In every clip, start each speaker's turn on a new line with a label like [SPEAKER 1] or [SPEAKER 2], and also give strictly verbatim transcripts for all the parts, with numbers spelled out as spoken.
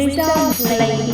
[SPEAKER 1] Wisdom Lady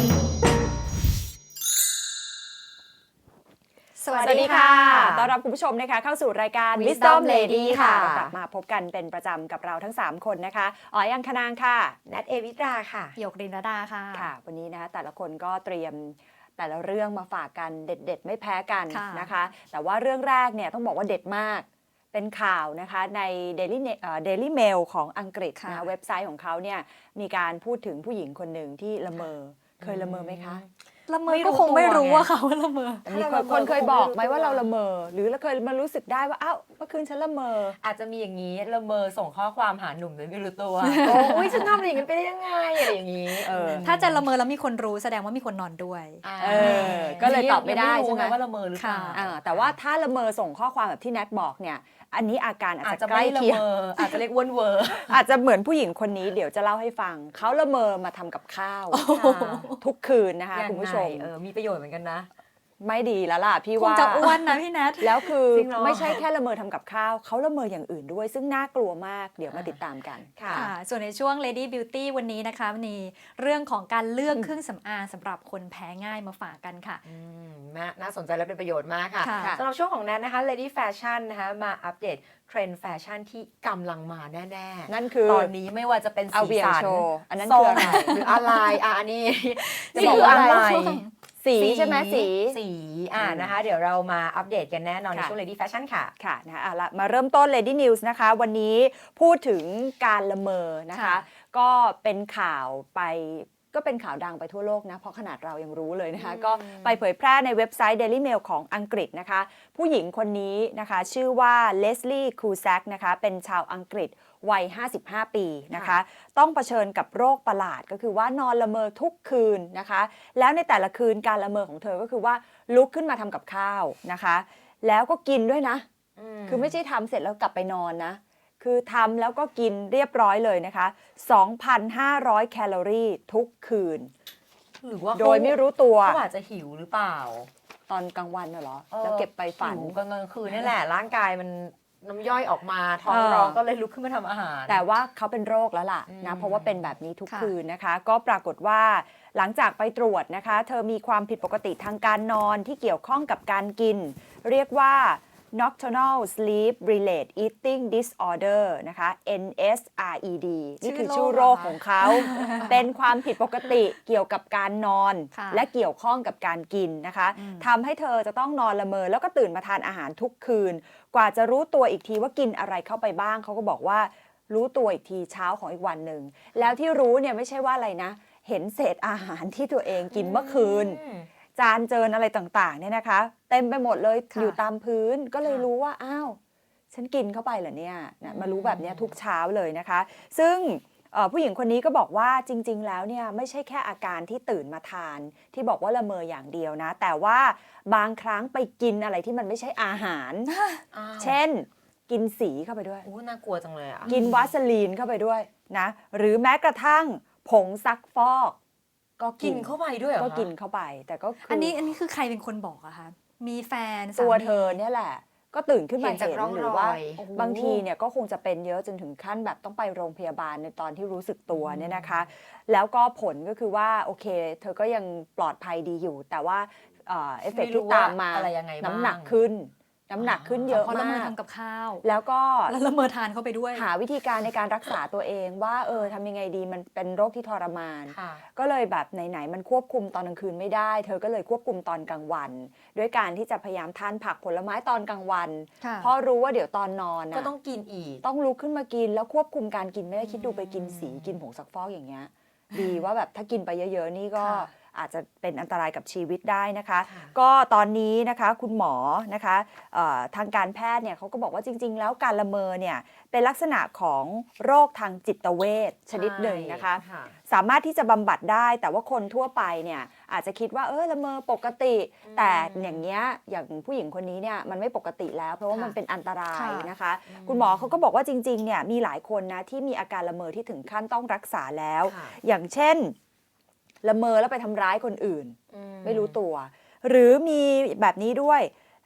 [SPEAKER 2] สวัสดีค่ะต้อนรับคุณผู้ชมนะคะเข้าสู่รายการ Wisdom Lady ค่ะกลับมาพบกันเป็นประจำกับเราทั้งสามคนนะคะอ๋อยอังคณางค่ะนัทเอวิตราค่ะ
[SPEAKER 3] หยกรินดาค่ะ
[SPEAKER 2] ค่ะวันนี้นะคะแต่ละคนก็เตรียมแต่ละเรื่องมาฝากกันเด็ดๆไม่แพ้กันนะคะแต่ว่าเรื่องแรกเนี่ยต้องบอกว่าเด็ดมากเป็นข่าวนะคะใน Daily Daily Mail ของอังกฤษนะเว็บไซต์ของเขาเนี่ยมีการพูดถึงผู้หญิงคนหนึ่งที่ละเมอเคยละเมอไหมคะ
[SPEAKER 3] ละเมอก็คงไม่รู้ว่าเขาละเมอ
[SPEAKER 2] มีคนเคยบอกไหมว่าเราละเมอหรือเราเคยมารู้สึกได้ว่าอ้าวเมื่อคืนฉันละเมอ
[SPEAKER 1] อาจจะมีอย่างนี้ละเมอส่งข้อความหาหนุ่มโดยไม่รู้ตัวโอ้ยฉันทำอะไรอย่างนี้ไปได้ยังไงอะไรอย่างนี้
[SPEAKER 3] ถ้าจะละเมอแล้วมีคนรู้แสดงว่ามีคนนอนด้วย
[SPEAKER 2] เออก็เลยตอบไม่ได้ใช่ไหม
[SPEAKER 1] ว่าละเมอหรือเปล่า
[SPEAKER 2] แต่ว่าถ้าละเมอส่งข้อความแบบที่แนทบอกเนี่ยอันนี้อาการอาจจะใกล้
[SPEAKER 1] เคียงอาจจะเรียกวนเวอร์
[SPEAKER 2] อาจจะเหมือนผู้หญิงคนนี้เดี๋ยวจะเล่าให้ฟังเขาละเมอมาทำกับข้าวทุกคืนนะคะคุณผู้ชม
[SPEAKER 1] มีประโยชน์เหมือนกันนะ
[SPEAKER 2] ไม่ดีแล้วล่ะพี่ว่า
[SPEAKER 3] คงจะอ้วนนะพี่แนท
[SPEAKER 2] แล้วคือไม่ใช่แค่ละเมอทำกับข้าวเขาละเมออย่างอื่นด้วยซึ่งน่ากลัวมากเดี๋ยวมาติดตามกัน
[SPEAKER 3] ค่ะส่วนในช่วง Lady Beauty วันนี้นะคะมีเรื่องของการเลือกเครื่องสำอางสำหรับคนแพ้ง่ายมาฝากกันค่ะ
[SPEAKER 1] น่าสนใจและเป็นประโยชน์มากค่ะสำหรับช่วงของแนทนะคะ Lady Fashion นะคะมาอัปเดตเทรนด์แฟชั่นที่กำลังมาแน่ๆ
[SPEAKER 2] นั่นคือ
[SPEAKER 1] ตอนนี้ไม่ว่าจะเป็นสีสัน
[SPEAKER 2] อันนั้นคืออะไร
[SPEAKER 1] หรืออะไรอ่ะอันนี้
[SPEAKER 2] จะบอกว่าอะไรสีใช่ไหมสี
[SPEAKER 1] สีอ่านะคะเดี๋ยวเรามาอัปเดตกันแน่นอนในช่วง Lady Fashion ค่ะ
[SPEAKER 2] ค่ะนะคะเอาละมาเริ่มต้น Lady News นะคะวันนี้พูดถึงการละเมอนะคะก็เป็นข่าวไปก็เป็นข่าวดังไปทั่วโลกนะเพราะขนาดเรายังรู้เลยนะคะก็ไปเผยแพร่ในเว็บไซต์ Daily Mail ของอังกฤษนะคะผู้หญิงคนนี้นะคะชื่อว่าเลสลี่คูแซกนะคะเป็นชาวอังกฤษวัยห้าสิบห้าปีนะคะต้องเผชิญกับโรคประหลาดก็คือว่านอนละเมอทุกคืนนะคะแล้วในแต่ละคืนการละเมอของเธอก็คือว่าลุกขึ้นมาทำกับข้าวนะคะแล้วก็กินด้วยนะคือไม่ใช่ทำเสร็จแล้วกลับไปนอนนะคือทำแล้วก็กินเรียบร้อยเลยนะคะ สองพันห้าร้อย แคลอรี่ทุกคืน
[SPEAKER 1] หรือว่า
[SPEAKER 2] โดยไม่รู้ตัว
[SPEAKER 1] เขาอาจจะหิวหรือเปล่า
[SPEAKER 2] ตอนกลางวันเหรอแล้วเก็บไปฝัน
[SPEAKER 1] กลางคืนนี่แหละร่างกายมันน้ำย่อยออกมาท้องร้องก็เลยลุกขึ้นมาทำอาหาร
[SPEAKER 2] แต่ว่าเขาเป็นโรคแล้วล่ะนะเพราะว่าเป็นแบบนี้ทุกคืนนะคะก็ปรากฏว่าหลังจากไปตรวจนะคะเธอมีความผิดปกติทางการนอนที่เกี่ยวข้องกับการกินเรียกว่า Nocturnal Sleep Related Eating Disorder นะคะ เอ็น เอส อาร์ อี ดี นี่คือชื่อโรคของเขา เป็นความผิดปกติเกี่ยวกับการนอนและเกี่ยวข้องกับการกินนะคะทำให้เธอจะต้องนอนละเมอแล้วก็ตื่นมาทานอาหารทุกคืนกว่าจะรู้ตัวอีกทีว่ากินอะไรเข้าไปบ้างเขาก็บอกว่ารู้ตัวอีกทีเช้าของอีกวันหนึ่งแล้วที่รู้เนี่ยไม่ใช่ว่าอะไรนะเห็นเศษอาหารที่ตัวเองกินเมื่อคืนจานเจิญอะไรต่างๆเนี่ยนะคะเต็มไปหมดเลยอยู่ตามพื้นก็เลยรู้ว่าอ้าวฉันกินเข้าไปเหรอเนี่ยนะมารู้แบบนี้ทุกเช้าเลยนะคะซึ่งผู้หญิงคนนี้ก็บอกว่าจริงๆแล้วเนี่ยไม่ใช่แค่อาการที่ตื่นมาทานที่บอกว่าละเมออย่างเดียวนะแต่ว่าบางครั้งไปกินอะไรที่มันไม่ใช่อาหารเช่นกินสีเข้าไปด้วย
[SPEAKER 1] โอ้น่ากลัวจังเลยอ่ะ
[SPEAKER 2] กินวาสลีนเข้าไปด้วยนะหรือแม้กระทั่งผงซักฟอก
[SPEAKER 1] ก็กินเข้าไปด้วย
[SPEAKER 2] ก็กินเข้าไปแต่ก็
[SPEAKER 3] อันนี้อันนี้คือใครเป็นคนบอกอะคะมีแฟน
[SPEAKER 2] ตัวเธอเนี่ยแหละก็ตื่นขึ้นมาเห็นหรือว่าบางทีเนี่ยก็คงจะเป็นเยอะจนถึงขั้นแบบต้องไปโรงพยาบาลในตอนที่รู้สึกตัวเนี่ยนะคะแล้วก็ผลก็คือว่าโอเคเธอก็ยังปลอดภัยดีอยู่แต่ว่าเอฟเฟกต์ที่ตามมาน้ำหนักขึ้นน้ำหนักขึ้นเยอะมาก
[SPEAKER 3] ละเมอทำกับข้าว
[SPEAKER 2] แล้วก็
[SPEAKER 3] แล้วละเมอทานเข้าไปด้วย
[SPEAKER 2] หาวิธีการในการรักษาตัวเองว่าเออทำยังไงดีมันเป็นโรคที่ทรมานก็เลยแบบไหนๆมันควบคุมตอนกลางคืนไม่ได้เธอก็เลยควบคุมตอนกลางวันด้วยการที่จะพยายามทานผักผลไม้ตอนกลางวันเพราะรู้ว่าเดี๋ยวตอนนอน
[SPEAKER 1] ก็ต้องกินอีก
[SPEAKER 2] ต้องลุกขึ้นมากินแล้วควบคุมการกินไม่ได้คิดดูไปกินสีกินผงซักฟอกอย่างเงี้ยดีว่าแบบถ้ากินไปเยอะๆนี่ก็อาจจะเป็นอันตรายกับชีวิตได้นะคะก็ตอนนี้นะคะคุณหมอนะคะทางการแพทย์เนี่ยเขาก็บอกว่าจริงๆแล้วการละเมอเนี่ยเป็นลักษณะของโรคทางจิตเวชชนิดหนึ่งนะคะสามารถที่จะบำบัดได้แต่ว่าคนทั่วไปเนี่ยอาจจะคิดว่าเออละเมอปกติแต่อย่างเงี้ยอย่างผู้หญิงคนนี้เนี่ยมันไม่ปกติแล้วเพราะว่ามันเป็นอันตรายนะคะคุณหมอเขาก็บอกว่าจริงๆเนี่ยมีหลายคนนะที่มีอาการละเมอที่ถึงขั้นต้องรักษาแล้วอย่างเช่นละเมอแล้วไปทำร้ายคนอื่นไม่รู้ตัวหรือมีแบบนี้ด้วย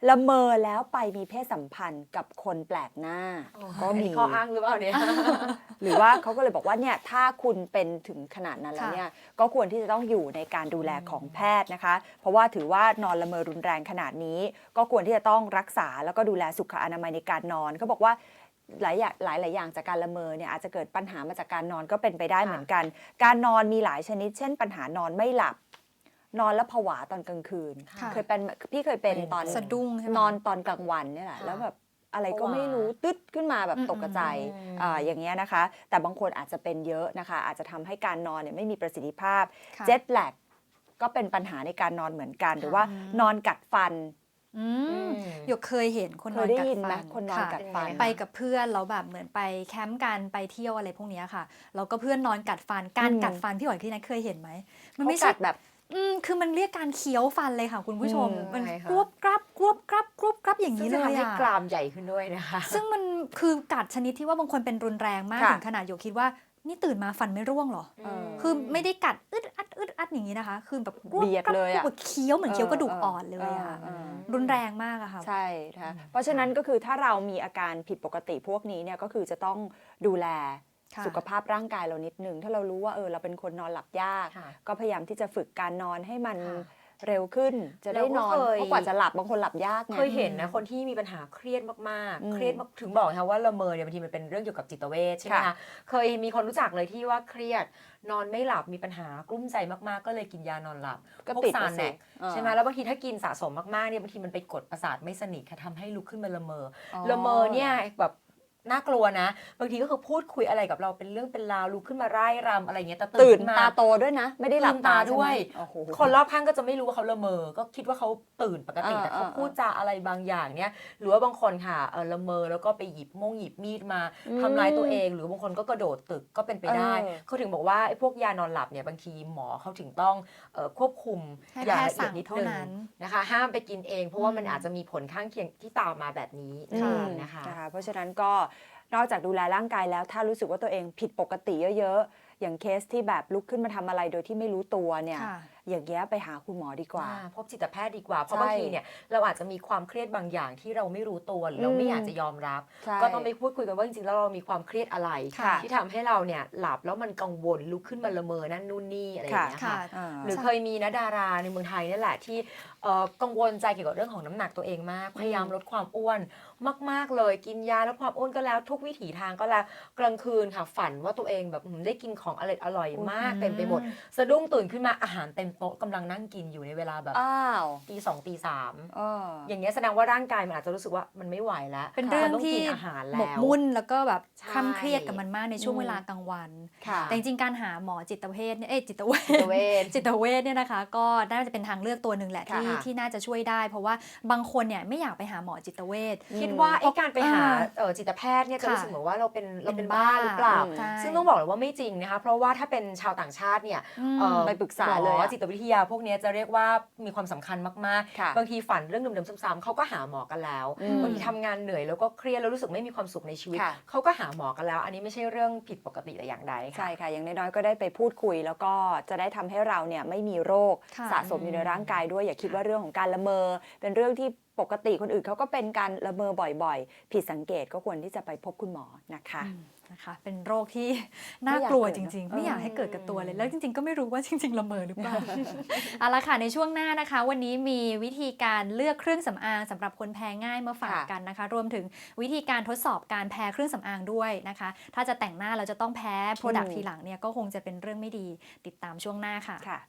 [SPEAKER 2] ละเมอแล้วไปมีเพศสัมพันธ์กับคนแปลกหน้าก็มี
[SPEAKER 1] ข้ออ้างหรือเปล่าเนี่ย
[SPEAKER 2] หรือว่าเขาก็เลยบอกว่าเนี่ยถ้าคุณเป็นถึงขนาดนั้นแล้วเนี่ยก็ควรที่จะต้องอยู่ในการดูแลของแพทย์นะคะ เพราะว่าถือว่านอนละเมอรุนแรงขนาดนี้ ก็ควรที่จะต้องรักษาแล้วก็ดูแลสุขอนามัยในการนอนเขาบอกว่าหลายอย่างหลายหลายอย่างจากการละเมอเนี่ยอาจจะเกิดปัญหามาจากการนอนก็เป็นไปได้เหมือนกัน การนอนมีหลายชนิด เช่นปัญหานอนไม่หลับนอนแล้วผวาตอนกลางคืน
[SPEAKER 3] ค่ะ
[SPEAKER 2] เคยเป็นพี่เคยเป็น
[SPEAKER 1] เป็น
[SPEAKER 2] ตอน
[SPEAKER 3] สะดุ้งใช่ไหม
[SPEAKER 2] นอนตอนกลางวันเนี่ยแหละ
[SPEAKER 1] ค่ะ
[SPEAKER 2] แล้วแบบอะไรก็
[SPEAKER 1] ผวา
[SPEAKER 2] ไม่รู้ตึ๊ดขึ้นมาแบบ
[SPEAKER 3] อืม
[SPEAKER 2] ตกใจ
[SPEAKER 1] อืม
[SPEAKER 2] อ่าอย่างเงี้ยนะคะ แต่บางคนอาจจะเป็นเยอะนะคะ อาจจะทำให้การนอนเนี่ยไม่มีประสิทธิภาพ
[SPEAKER 3] ค่ะ
[SPEAKER 2] เจ็ตแลกก็เป็นปัญหาในการนอนเหมือนกัน หรือว่านอนกัดฟัน
[SPEAKER 3] อื
[SPEAKER 1] อื
[SPEAKER 3] ม
[SPEAKER 1] ม
[SPEAKER 3] หยกเคยเห็นคนน
[SPEAKER 2] เค
[SPEAKER 3] อน
[SPEAKER 2] ยได้
[SPEAKER 3] กัด
[SPEAKER 2] ยินไหม
[SPEAKER 3] ฟัน
[SPEAKER 2] คนนอน
[SPEAKER 3] ค่ะ
[SPEAKER 2] กัดฟัน
[SPEAKER 1] เป็นไงคะ
[SPEAKER 3] ไปกับเพื่อนเราแบบเหมือนไปแคมป์กันไปเที่ยวอะไรพวกเนี้ยค่ะแล้วก็เพื่อนนอนกัดฟันการ
[SPEAKER 2] อืม
[SPEAKER 3] กัดฟันพี่หอยพี่นัทเคยเห็นไหมมัน
[SPEAKER 2] เขา
[SPEAKER 3] ไม่ใช่
[SPEAKER 2] กัดแบบ
[SPEAKER 3] อืมคือมันเรียกการเคี้ยวฟันเลยค่ะคุณผู้ชม
[SPEAKER 2] อืม
[SPEAKER 3] มัน
[SPEAKER 1] ใช่ค่ะ
[SPEAKER 3] กรวบกรับกรวบกรับกรวบกรับอย่าง
[SPEAKER 1] ซึ่
[SPEAKER 3] นี้
[SPEAKER 1] ง
[SPEAKER 3] เล
[SPEAKER 1] จะ
[SPEAKER 3] ย
[SPEAKER 1] ทำให้
[SPEAKER 3] อะ
[SPEAKER 1] กรามใหญ่ขึ้นด้วยนะคะ
[SPEAKER 3] ซึ่งมันคือกัดชนิดที่ว่าบางคนเป็นรุนแรงมาก
[SPEAKER 2] ค่ะ
[SPEAKER 3] ถึงขนาดหยกคิดว่านี่ตื่นมาฟันไม่ร่วงเหรอ
[SPEAKER 2] เออ
[SPEAKER 3] คือไม่ได้กัดอึดอัดอึดอัดอย่างนี้นะคะ คือแบบกรวบ
[SPEAKER 2] เบียด
[SPEAKER 3] กรับ
[SPEAKER 2] เลยอะ
[SPEAKER 3] กรวบเคี้ยวเหมือนเคี้ยวกระดูกอ่อนเลยอะ
[SPEAKER 2] เออ
[SPEAKER 3] รุนแรงมากอะค่ะ
[SPEAKER 2] ใช่นะคะเพราะฉะนั้นก็คือถ้าเรามีอาการผิดปกติพวกนี้เนี่ยก็คือจะต้องดูแล
[SPEAKER 3] ค่ะ
[SPEAKER 2] สุขภาพร่างกายเรานิดนึงถ้าเรารู้ว่าเออเราเป็นคนนอนหลับยาก
[SPEAKER 1] ค่ะ
[SPEAKER 2] ก็พยายามที่จะฝึกการนอนให้มัน
[SPEAKER 1] ค่ะ
[SPEAKER 2] เร็วขึ้น จะได้นอน
[SPEAKER 1] เราก็เคย
[SPEAKER 2] เพราะกว่าจะหลับบางคนหลับยากไง
[SPEAKER 1] เคยเห็นนะคนที่มีปัญหาเครียดมาก
[SPEAKER 2] อืม
[SPEAKER 1] ๆ เครียดมากถึงบอกนะคะว่าละเมอเนี่ยบางทีมันเป็นเรื่องเกี่ยวกับจิตเวชใช่ไหม
[SPEAKER 2] ค่ะ
[SPEAKER 1] คะเคยมีคนรู้จักเลยที่ว่าเครียดนอนไม่หลับมีปัญหากลุ้มใจมากๆ ก็เลยกินยานอนหลับ
[SPEAKER 2] ก็
[SPEAKER 1] พวก
[SPEAKER 2] ติด
[SPEAKER 1] ซา
[SPEAKER 2] อะ
[SPEAKER 1] แน
[SPEAKER 2] สิ
[SPEAKER 1] ก
[SPEAKER 2] เออ
[SPEAKER 1] ใช่ไหมแล้วบางทีถ้ากินสะสมมากๆเนี่ยบางทีมันไปกดประสาทไม่สนิทค่ะทำให้ลุกขึ้นมาละเมออละเมอเนี่ยแบบน่ากลัวนะ บางทีก็คือพูดคุยอะไรกับเราเป็นเรื่องเป็นราวลุกขึ้นมาไร่รำอะไรเงี้ยแต่
[SPEAKER 2] ตื่
[SPEAKER 1] ตื่
[SPEAKER 2] น
[SPEAKER 1] นมา
[SPEAKER 2] ตาโตด้วยนะ ไม่ได้หลับ
[SPEAKER 1] ลืม
[SPEAKER 2] ตา
[SPEAKER 1] ตา
[SPEAKER 2] ใช่ไหม
[SPEAKER 1] ด้วย
[SPEAKER 2] โอ้โห
[SPEAKER 1] คนรอบข้างก็จะไม่รู้ว่าเขาละเมอ ก็คิดว่าเขาตื่นปกติ
[SPEAKER 2] เออ
[SPEAKER 1] แต่เขา
[SPEAKER 2] เออ
[SPEAKER 1] พูดจาอะไรบางอย่างเนี่ยหรือว่าบางคนค่ะเออละเมอแล้วก็ไปหยิบม่งหยิบมีดมา
[SPEAKER 2] อืม
[SPEAKER 1] ทำร้ายตัวเอง หรือบางคนก็กระโดดตึกก็เป็นไปได้
[SPEAKER 2] เออ
[SPEAKER 1] เขาถึงบอกว่าไอ้พวกยานอนหลับเนี่ยบางทีหมอเขาถึงต้องเอ่อควบคุม
[SPEAKER 3] ให้
[SPEAKER 1] อย่าง
[SPEAKER 3] แพท
[SPEAKER 1] ละ
[SPEAKER 3] ย์
[SPEAKER 1] เอีย
[SPEAKER 3] สั่
[SPEAKER 1] ด
[SPEAKER 3] ง
[SPEAKER 1] นิด
[SPEAKER 3] เท่า
[SPEAKER 1] นึง
[SPEAKER 3] นั้น
[SPEAKER 1] นะคะ ห้ามไปกินเอง เพราะว่ามัน
[SPEAKER 3] อืม
[SPEAKER 1] อาจจะมีผลข้างเคียงที่ตามมาแบบนี้
[SPEAKER 2] อืม
[SPEAKER 1] นะคะ
[SPEAKER 2] นะคะเพราะฉะนั้นก็นอกจากดูแลร่างกายแล้วถ้ารู้สึกว่าตัวเองผิดปกติเยอะๆ อย่างเคสที่แบบลุกขึ้นมาทำอะไรโดยที่ไม่รู้ตัวเนี่ย
[SPEAKER 3] ค่ะ
[SPEAKER 2] อย่างเงี้ยไปหาคุณหมอดีกว่า
[SPEAKER 1] อ่าพบจิตแพทย์ดีกว่า เพราะ
[SPEAKER 2] ใช่
[SPEAKER 1] บางทีเนี่ยเราอาจจะมีความเครียดบางอย่างที่เราไม่รู้ตัวหรือเราไม่
[SPEAKER 2] อืม
[SPEAKER 1] อยากจะยอมรับ
[SPEAKER 2] ใช่
[SPEAKER 1] ก็ต้องไปพูดคุยกันว่าจริงๆแล้วเรามีความเครียดอะไร
[SPEAKER 2] ค่ะ
[SPEAKER 1] ที่ทำให้เราเนี่ยหลับแล้วมันกังวลลุกขึ้นมาละเมอนั่นนู่นนี่อะไรอย่างเงี้ย
[SPEAKER 3] ค่ะ
[SPEAKER 1] ค่ะ
[SPEAKER 2] อ่า
[SPEAKER 1] หรือเคยมีนะดาราในเมืองไทยนี่แหละที่เอ่อกังวลใจเกี่ยวกับเรื่องของน้ำหนักตัวเองมาก พยายามลดความอ้วนมากๆเลยกินยาลดความอ้วนก็แล้วทุกวิถีทางก็แล้วกลางคืนค่ะฝันว่าตัวเองแบบอืมได้กินของอร่อยอร่อยมาก
[SPEAKER 3] อืม
[SPEAKER 1] เต็มไปหมดสะดุ้งตื่นขึ้นมาอาหารเต็มโต๊ะกำลังนั่งกินอยู่ในเวลาแบบ
[SPEAKER 2] อ้าว
[SPEAKER 1] ตีสองตีสาม
[SPEAKER 2] เออ
[SPEAKER 1] อย่างเงี้ยแสดงว่าร่างกายมันอาจจะรู้สึกว่ามันไม่ไหวแล้ว
[SPEAKER 3] เป็นเรื่อง
[SPEAKER 1] มัต้
[SPEAKER 3] ที่
[SPEAKER 1] กินอาหาร
[SPEAKER 3] หม
[SPEAKER 1] แล้
[SPEAKER 3] ก
[SPEAKER 1] ว
[SPEAKER 3] มุ่นแล้วก็แบบ
[SPEAKER 1] ใช่
[SPEAKER 3] คล่ำเครียดกับมันมากในช่วง
[SPEAKER 2] อืม
[SPEAKER 3] เวลากลางวัน
[SPEAKER 2] ค่ะ
[SPEAKER 3] แต่จริงๆการหาหมอจิตเวชเนี่ยเอ้ยจิตเวช
[SPEAKER 1] จิตเวช
[SPEAKER 3] จิตเวชเนี่ยนะคะ ก็น่าจะเป็นทางเลือกตัวหนึ่งแหละที่
[SPEAKER 1] ค่ะ
[SPEAKER 3] ที่น่าจะช่วยได้ เพราะว่าบางคนเนี่ยไม่อยากไปหาหมอจิตเวช
[SPEAKER 1] คิดว่าไอ้การไปหา
[SPEAKER 3] อ่า
[SPEAKER 1] เอ่อจิตแพทย์เนี่ยจะ
[SPEAKER 3] ค่ะ
[SPEAKER 1] รู้สึกเหมือนว่าเราเป็นเราเป็น
[SPEAKER 3] เป็น
[SPEAKER 1] บ้า
[SPEAKER 3] บ้า
[SPEAKER 1] หรือเปล่า
[SPEAKER 2] อืม
[SPEAKER 3] ใช่
[SPEAKER 1] ซึ่งต้องบอกเลยว่าไม่จริงนะคะ เพราะว่าถ้าเป็นชาวต่างชาติเนี่ย
[SPEAKER 3] อืม
[SPEAKER 1] เอ่อ
[SPEAKER 2] ไปปรึกษา
[SPEAKER 1] หมอ
[SPEAKER 2] เลยอะ
[SPEAKER 1] จิตวิทยาพวกเนี้ยจะเรียกว่ามีความสำคัญมาก
[SPEAKER 2] ค่ะ
[SPEAKER 1] ๆ บางทีฝันเรื่องเดิมๆซ้ำๆเขาก็หาหมอกันแล้ว
[SPEAKER 2] อืม
[SPEAKER 1] บางทีทำงานเหนื่อยแล้วก็เครียดแล้วรู้สึกไม่มีความสุขในชีวิต
[SPEAKER 2] ค่ะ
[SPEAKER 1] เขาก็หาหมอกันแล้ว อันนี้ไม่ใช่เรื่องผิดปกติแต่อย่างใดค่ะ
[SPEAKER 2] ใช่ค่ะ อย่างน้อยๆ ก็ได้ไปพูดคุย แล้วก็จะได้ทำให้เราเนี่ยไม่มีโรค
[SPEAKER 3] ค่ะ
[SPEAKER 2] สะสมอยู่ในร่างกายด้วย อย่าคิดว่าเรื่องของการละเมอ เป็นเรื่องที่ปกติคนอื่นเขาก็เป็นการละเมอบ่อยๆ ผิดสังเกตก็ควรที่จะไปพบคุณหมอนะคะ
[SPEAKER 3] อืมนะคะเป็นโรคที่น่ากลัว
[SPEAKER 2] ไม่อยาก
[SPEAKER 3] จ
[SPEAKER 2] เกิด
[SPEAKER 3] ริง ๆ
[SPEAKER 2] เนอะ
[SPEAKER 3] ไม่อยากให้เกิดกับตัวเลย แล้วจริง ๆ ก็ไม่รู้ว่าจริง ๆ ละเมอหรือเปล่า เอาละค่ะในช่วงหน้านะคะ วันนี้มีวิธีการเลือกเครื่องสำอางสำหรับคนแพ้ง่ายมาฝาก
[SPEAKER 2] ค่ะ
[SPEAKER 3] กันนะคะ รวมถึงวิธีการทดสอบการแพ้เครื่องสำอางด้วยนะคะ ถ้าจะแต่งหน้าเราจะต้องแพ้โปรดัก
[SPEAKER 2] อืม
[SPEAKER 3] ทีหลังเนี่ยก็คงจะเป็นเรื่องไม่ดีติดตามช่วงหน้าค่ะ
[SPEAKER 2] ค่ะ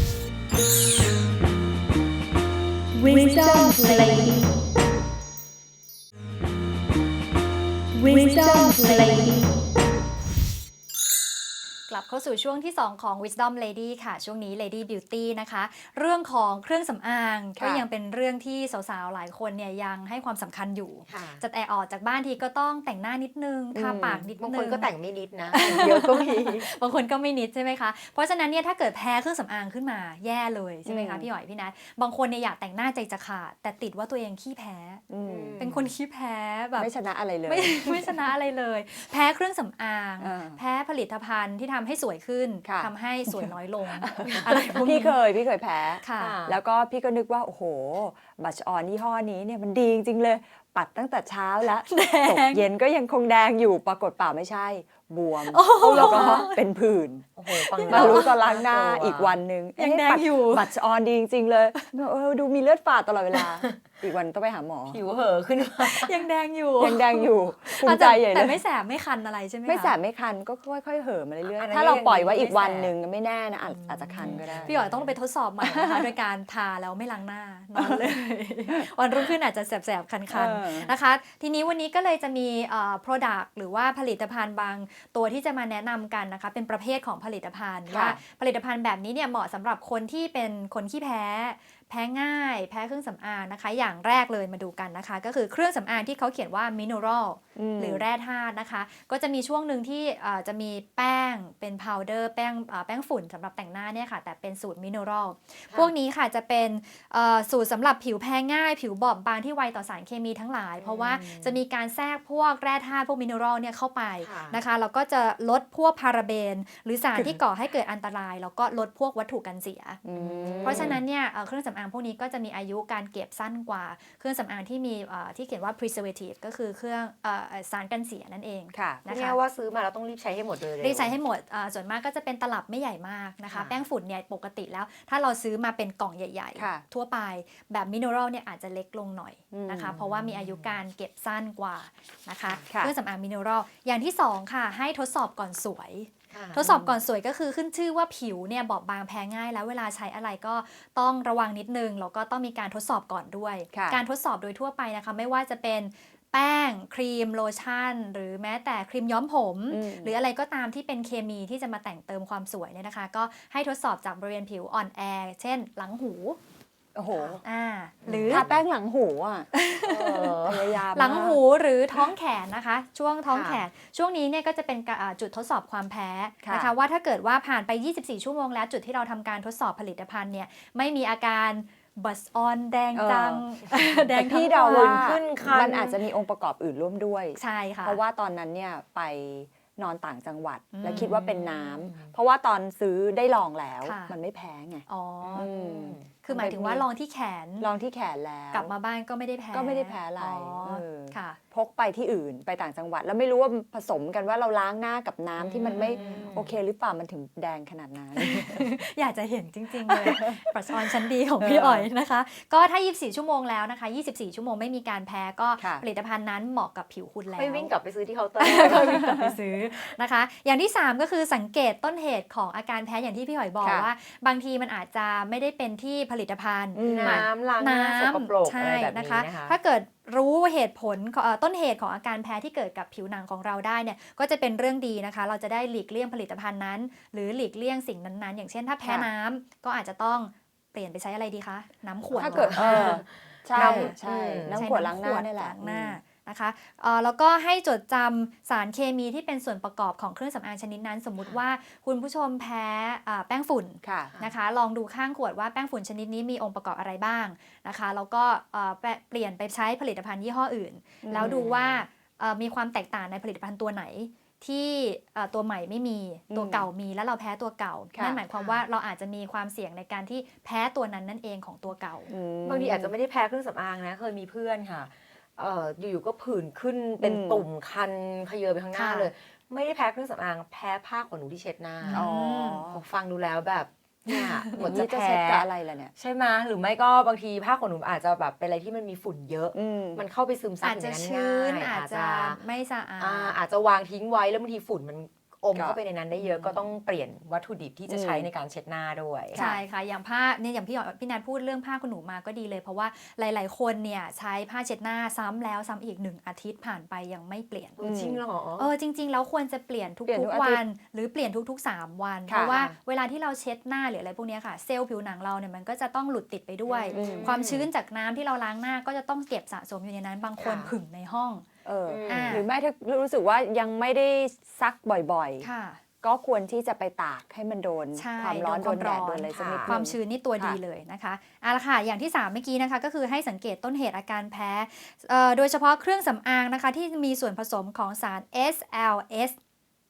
[SPEAKER 4] Wisdom Lady. Wisdom Lady.
[SPEAKER 3] กลับเข้าสู่ช่วงที่ สอง ของ Wisdom Lady ค่ะ ช่วงนี้ Lady Beauty นะคะ เรื่องของเครื่องสำอาง
[SPEAKER 2] ค่ะ
[SPEAKER 3] ก็ยังเป็นเรื่องที่สาวๆ หลายคนเนี่ยยังให้ความสำคัญอยู่
[SPEAKER 1] ค่ะ
[SPEAKER 3] จะแต่ออกจากบ้านทีก็ต้องแต่งหน้านิดนึง ทา
[SPEAKER 2] อืม
[SPEAKER 3] ปากนิดนึง
[SPEAKER 1] บางคนก็แต่งไม่นิดนะ เยอะก็มี
[SPEAKER 3] บางคนก็ไม่นิดใช่ไหมคะ เพราะฉะนั้นเนี่ยถ้าเกิดแพ้เครื่องสำอางขึ้นมาแย่เลยใช่ไหมคะ
[SPEAKER 2] อืม
[SPEAKER 3] พี่หอยพี่นัทบางคนเนี่ยอยากแต่งหน้าใจจะขาดแต่ติดว่าตัวเองขี้แพ้
[SPEAKER 2] อืม
[SPEAKER 3] เป็นคนขี้แพ้แบบ
[SPEAKER 2] ไม่ชนะอะไรเลย
[SPEAKER 3] ไม่ ไม่ชนะอะไรเลย แพ้เครื่องสำอาง
[SPEAKER 2] อ่า
[SPEAKER 3] แพ้ผลิตภัณฑ์ที่ทำให้ให้สวยขึ้น
[SPEAKER 2] ค่ะ
[SPEAKER 3] ทำให้สวยน้อยลง อะไรพวก
[SPEAKER 2] พี่
[SPEAKER 3] นี้
[SPEAKER 2] เคยพี่เคยแพ้
[SPEAKER 3] ค่ะ
[SPEAKER 1] ค่ะ
[SPEAKER 2] แล้วก็พี่ก็นึกว่า โอ้โห บัชออนยี่ห้อนี้เนี่ยมันดีจริงๆเลย ปัดตั้งแต่เช้าแล้ว
[SPEAKER 3] แด
[SPEAKER 2] ตก
[SPEAKER 3] ง
[SPEAKER 2] เย็นก็ยังคงแดงอยู่ ปรากฏเปล่าไม่ใช่ บวม
[SPEAKER 3] โอ้โห
[SPEAKER 2] แล้วก็เป็นผื่น
[SPEAKER 1] โอ้โหฟัง
[SPEAKER 2] มา
[SPEAKER 1] แล้ว
[SPEAKER 2] รู้ตอนล้างหน้า
[SPEAKER 1] ลัว
[SPEAKER 2] อีกวันหนึ่ง
[SPEAKER 3] ยัง
[SPEAKER 2] เอ๊ะ
[SPEAKER 3] แดง
[SPEAKER 2] ปั
[SPEAKER 3] อยู่
[SPEAKER 2] บัชออนดีจริง ๆ เลยเออดูมีเลือดฝาดตลอดเวลา อีกวันต้องไปหาหมอ
[SPEAKER 1] ผิวเห่อะขึ้นมา
[SPEAKER 3] ยังแดงอยู่
[SPEAKER 2] ยังแดงอยู่ภูมิใจใหญ่เล
[SPEAKER 3] แต่
[SPEAKER 2] ย
[SPEAKER 3] ไม่แสบไม่คันอะไรใช่ไหมคะ
[SPEAKER 2] ไม่แสบไม่คันก็ค่อยๆเห่อะมาเรื่อย
[SPEAKER 1] อันนั้
[SPEAKER 2] ๆ
[SPEAKER 1] น
[SPEAKER 2] ถ้าเราปล่อยไว้
[SPEAKER 1] ยังดี
[SPEAKER 2] อีกวัน
[SPEAKER 1] ไม่แสบ
[SPEAKER 2] หนึ่งไม่แน่นะอาจอาจจะคันก็ได้
[SPEAKER 3] พี่อ๋อยต้องไปทดสอบใหม่นะคะ โดยการทาแล้วไม่ล้างหน้านอนเลย วันรุ่งขึ้นอาจจะแสบๆ คัน
[SPEAKER 2] เออ
[SPEAKER 3] ๆ นะคะ ทีนี้วันนี้ก็เลยจะมีเอ่อ product หรือว่าผลิตภัณฑ์บางตัวที่จะมาแนะนำกันนะคะ เป็นประเภทของผลิตภัณฑ์
[SPEAKER 2] ค่ะ
[SPEAKER 3] ว่าผลิตภัณฑ์แบบนี้เนี่ยเหมาะสำหรับคนที่เป็นคนขี้แพ้ แพ้ง่าย แพ้เครื่องสำอางนะคะ อย่างแรกเลยมาดูกันนะคะ ก็คือเครื่องสำอางที่เขาเขียนว่า mineral
[SPEAKER 2] ม
[SPEAKER 3] หรือแร่ธาตุนะคะ ก็จะมีช่วงหนึ่งที่เอ่อจะมีแป้งเป็นพาวเดอร์แป้งเอ่อแป้งฝุ่นสำหรับแต่งหน้าเนี่ยค่ะ แต่เป็นสูตรมินเนอรัลพวกนี้ค่ะจะเป็นเอ่อสูตรสำหรับผิวแพ้ง่าย ผิวบอบบางที่ไวต่อสารเคมีทั้งหลาย เพราะว่าจะมีการแทรกพวกแร่ธาตุพวกมินเนอรัลเนี่ยเข้าไป
[SPEAKER 1] ค่ะ
[SPEAKER 3] นะคะแล้วก็จะลดพวกพาราเบน หรือสารที่ก่อให้เกิดอันตราย แล้วก็ลดพวกวัตถุกันเสีย
[SPEAKER 2] อืม
[SPEAKER 3] เพราะฉะนั้นเนี่ยเอ่อเครื่องสำอางพวกนี้ก็จะมีอายุการเก็บสั้นกว่าเครื่องสำอางที่มีเอ่อที่เขียนว่า preservative ก็คือเครื่องเอ่อสารกันเสียนั่นเอง
[SPEAKER 2] ค่ะ
[SPEAKER 1] พูด
[SPEAKER 3] นะ
[SPEAKER 1] ง่า
[SPEAKER 3] คะ
[SPEAKER 1] ยๆว่าซื้อมาแล้วต้องรีบใช้ให้หมดเลย
[SPEAKER 3] รีบใช้ให้หมดอ่าส่วนมากก็จะเป็นตลับไม่ใหญ่มากนะคะ
[SPEAKER 1] ค่ะ
[SPEAKER 3] แป้งฝุ่นเนี่ยปกติแล้ว ถ้าเราซื้อมาเป็นกล่องใหญ่
[SPEAKER 2] ค่ะ
[SPEAKER 3] ๆ ทั่วไปแบบมินเนอรัลเนี่ยอาจจะเล็กลงหน่อยนะคะ
[SPEAKER 2] อืม
[SPEAKER 3] เพราะว่ามีอายุการเก็บสั้นกว่านะคะ
[SPEAKER 2] ค่ะ
[SPEAKER 3] เครื่องสำอางมินเนอรัลอย่างที่สองค่ะให้ทดสอบก่อนสวย
[SPEAKER 1] ค่ะ
[SPEAKER 3] ทดสอบก่อนสวยก็คือขึ้นชื่อว่าผิวเนี่ยบอบบางแพ้ง่าย แล้วเวลาใช้อะไรก็ต้องระวังนิดนึงแล้วก็ต้องมีการทดสอบก่อนด้วย
[SPEAKER 2] ค่ะ
[SPEAKER 3] การทดสอบโดยทั่วไปนะคะไม่ว่าจะเป็นแป้งครีมโลชั่น หรือแม้แต่ครีมย้อมผม
[SPEAKER 2] อืม
[SPEAKER 3] หรืออะไรก็ตามที่เป็นเคมีที่จะมาแต่งเติมความสวยเนี่ยนะคะ ก็ให้ทดสอบจากบริเวณผิวอ่อนแอ เช่นหลังหู
[SPEAKER 2] โอ้โห
[SPEAKER 3] อ่าหรือ
[SPEAKER 2] ทาแป้งหลังหูอ่ะ
[SPEAKER 1] เออ
[SPEAKER 2] พยายาม
[SPEAKER 3] หลัง
[SPEAKER 2] มาก
[SPEAKER 3] หูหรือท้องแขนนะคะ ช่วงท้อง
[SPEAKER 1] ค่ะ
[SPEAKER 3] แขน ช่วงนี้เนี่ยก็จะเป็นกะอ่าจุดทดสอบความแพ้
[SPEAKER 2] ค่ะ
[SPEAKER 3] นะคะว่าถ้าเกิดว่าผ่านไป ยี่สิบสี่ ชั่วโมงแล้วจุดที่เราทำการทดสอบผลิตภัณฑ์เนี่ยไม่มีอาการบัสออนแดงจัง แดง
[SPEAKER 2] พี่
[SPEAKER 3] ทั้ง
[SPEAKER 2] เดา
[SPEAKER 3] วัน
[SPEAKER 2] ว่า
[SPEAKER 1] ขึ้นคัน
[SPEAKER 2] มันอาจจะมีองค์ประกอบอื่นร่วมด้วย
[SPEAKER 3] ใช่ค่ะ
[SPEAKER 2] เพราะว่าตอนนั้นเนี่ยไปนอนต่างจังหวัด
[SPEAKER 3] อืม
[SPEAKER 2] แล้วคิดว่าเป็นน้ำเพราะว่าตอนซื้อได้ลองแล้ว
[SPEAKER 3] ค่ะ
[SPEAKER 2] มันไม่แพ้ไง
[SPEAKER 3] อ๋ออ
[SPEAKER 2] ม
[SPEAKER 3] คือหมายถึงว่าลองที่แขน
[SPEAKER 2] ลองที่แขนแล้ว
[SPEAKER 3] กลับมาบ้านก็ไม่ได้แพ้
[SPEAKER 2] ก็ไม่ได้แพ้อะไร
[SPEAKER 3] อ๋อ
[SPEAKER 2] เออ
[SPEAKER 3] ค่ะ
[SPEAKER 2] พกไปที่อื่นไปต่างจังหวัด แล้วไม่รู้ว่าผสมกันว่าเราล้างหน้ากับน้ำที่มันไม่
[SPEAKER 1] อืม
[SPEAKER 2] โอเคหรือเปล่ามันถึงแดงขนาดนั้น
[SPEAKER 3] อยากจะเห็นจริง ๆ เลย ปรัชออนชั้นดีของพี่อ๋อยนะคะ ก็ถ้า ยี่สิบสี่ ชั่วโมงแล้วนะคะ ยี่สิบสี่ ชั่วโมงไม่มีการแพ้ก็
[SPEAKER 2] ค่ะ
[SPEAKER 3] ผลิตภัณฑ์นั้นเหมาะกับผิวคุณแล้ว
[SPEAKER 1] ไม่วิ่งกลับไปซื้อที่เคาน์เตอร์
[SPEAKER 3] ก็วิ่งกลับไปซื้อนะคะ อย่างที่ สาม ก็คือสังเกตต้นเหตุของอาการแพ้อย่างที่พี่หอยบอก
[SPEAKER 2] ค่ะ
[SPEAKER 3] ว่า บางทีมันอาจจะไม่ได้เป็นที่ผลิตภัณฑ์
[SPEAKER 2] อืม
[SPEAKER 3] มัน
[SPEAKER 1] น้ำล้างหน้าสกปรก
[SPEAKER 3] ใช่
[SPEAKER 1] อะไรแบบ
[SPEAKER 3] นะ
[SPEAKER 1] นี้
[SPEAKER 3] คะ
[SPEAKER 1] นะคะ
[SPEAKER 3] ถ้าเกิดรู้เหตุผลของเอ่อต้นเหตุของอาการแพ้ที่เกิดกับผิวหนังของเราได้เนี่ยก็จะเป็นเรื่องดีนะคะ เราจะได้หลีกเลี่ยงผลิตภัณฑ์นั้น หรือหลีกเลี่ยงสิ่งนั้นๆ อย่างเช่นถ้าแพ้
[SPEAKER 2] ค่ะ
[SPEAKER 3] น้ำก็อาจจะต้องเปลี่ยนไปใช้อะไรดีคะน้ำขวด
[SPEAKER 2] ถ้าเกิด
[SPEAKER 3] หรอ
[SPEAKER 2] เออใช่
[SPEAKER 1] น้ำ
[SPEAKER 2] ใช่
[SPEAKER 1] อืม
[SPEAKER 2] น้ำ
[SPEAKER 3] ใช้
[SPEAKER 2] ขวดล้างหน้านี่แหละ
[SPEAKER 3] ล้างหน้านะคะเอ่อแล้วก็ให้จดจำสารเคมีที่เป็นส่วนประกอบของเครื่องสำอางชนิดนั้น สมมุติว่าคุณผู้ชมแพ้อ่าแป้งฝุ่น
[SPEAKER 2] ค่ะ
[SPEAKER 3] นะคะลองดูข้างขวดว่าแป้งฝุ่นชนิดนี้มีองค์ประกอบอะไรบ้างนะคะแล้วก็เอ่อแปะเปลี่ยนไปใช้ผลิตภัณฑ์ยี่ห้ออื่น
[SPEAKER 2] อืม
[SPEAKER 3] แล้วดูว่าเอ่อมีความแตกต่างในผลิตภัณฑ์ตัวไหน ที่เอ่อตัวใหม่ไม่มีตัวเก่ามีแล้วเราแพ้ตัวเก่า
[SPEAKER 2] ค่ะ
[SPEAKER 3] นั่นหมายความว่าเราอาจจะมีความเสี่ยงในการที่แพ้ตัวนั้นนั่นเองของตัวเก่า
[SPEAKER 2] อืม
[SPEAKER 1] บางทีอาจจะไม่ได้แพ้เครื่องสำอางนะ เคยมีเพื่อนค่ะเอ่ออยู่ๆก็ผื่นขึ้นเป็น
[SPEAKER 2] อืม
[SPEAKER 1] ตุ่มคันขยเยอไปข้างหน้า
[SPEAKER 3] ค่ะ
[SPEAKER 1] เลย ไม่ได้แพ้เครื่องสำอางแพ้ผ้าขนหนูที่เช็ดหน้า
[SPEAKER 2] อ๋อ
[SPEAKER 1] ผมฟังดูแล้วแบบเนี่ยหมด
[SPEAKER 2] นี่
[SPEAKER 1] จะ
[SPEAKER 2] จะ
[SPEAKER 1] แพ้
[SPEAKER 2] เช็ดกับอะไรล่ะเนี่ย
[SPEAKER 1] ใช่ไหมหรือไม่ก็บางทีผ้าขนหนูอาจจะแบบเป็นอะไรที่มันมีฝุ่นเยอะ
[SPEAKER 2] อืม
[SPEAKER 1] มันเข้าไปซึมซับ
[SPEAKER 3] อาจ
[SPEAKER 1] อยู่
[SPEAKER 3] จะ
[SPEAKER 1] ในนั้น
[SPEAKER 3] ชื้น
[SPEAKER 1] ง่าย
[SPEAKER 3] อาจจะไม่สะอาด
[SPEAKER 1] อ่าอาจจะวางทิ้งไว้แล้วบางทีฝุ่นมันอม
[SPEAKER 2] ก็
[SPEAKER 1] เข้าไปในนั้นได้เยอะก็ต้องเปลี่ยนวัตถุดิบที่จะใช้
[SPEAKER 2] อืม
[SPEAKER 1] ในการเช็ดหน้าด้วย
[SPEAKER 3] ใช่ค่ะ อย่างผ้าเนี่ยอย่างพี่หยอดพี่นัทพูดเรื่องผ้าขนหนูมาก็ดีเลย เพราะว่าหลาย ๆ คนเนี่ยใช้ผ้าเช็ดหน้าซ้ำแล้วซ้ำอีกหนึ่งอาทิตย์ผ่านไปยังไม่เปลี่ยน
[SPEAKER 1] จริงเหรอ
[SPEAKER 3] เออจริง ๆ แล้วควรจะเปลี่ยน
[SPEAKER 2] เปลี่ยนทุ
[SPEAKER 3] ทุก
[SPEAKER 2] ก
[SPEAKER 3] ๆ
[SPEAKER 2] อาทิตย์
[SPEAKER 3] วัน หรือเปลี่ยนทุก ๆ สาม วัน
[SPEAKER 2] ค่ะ
[SPEAKER 3] เพราะว่าเวลาที่เราเช็ดหน้าหรืออะไรพวกเนี้ยค่ะ เซลล์ผิวหนังเราเนี่ยมันก็จะต้องหลุดติดไปด้วย
[SPEAKER 2] อืม
[SPEAKER 3] ความชื้นจากน้ำที่เราล้างหน้าก็จะต้องเก็บสะสมอยู่ในนั้น บางคน
[SPEAKER 1] ค่ะ
[SPEAKER 3] ผึ่งในห้อง
[SPEAKER 2] เอออ
[SPEAKER 3] อ่า
[SPEAKER 2] หรือไม่ถ้ารู้สึกว่ายังไม่ได้ซักบ่อย
[SPEAKER 3] ค่ะ
[SPEAKER 2] ๆ ก็ควรที่จะไปตากให้มันโดน
[SPEAKER 3] ใช่
[SPEAKER 2] ความร้อน
[SPEAKER 3] โด
[SPEAKER 2] โด
[SPEAKER 3] น
[SPEAKER 2] น
[SPEAKER 3] ความ
[SPEAKER 2] แดด
[SPEAKER 3] ร้อน
[SPEAKER 2] โดนอะไรสักนิด
[SPEAKER 1] ค่ะ
[SPEAKER 2] นึง
[SPEAKER 3] ความชื้นนี่ตัว
[SPEAKER 2] ค่ะ
[SPEAKER 3] ดีเลยนะคะเอาละค่ะอย่างที่สามเมื่อกี้นะคะก็คือให้สังเกตต้นเหตุอาการแพ้เอ่อโดยเฉพาะเครื่องสำอางนะคะที่มีส่วนผสมของสาร เอส แอล เอส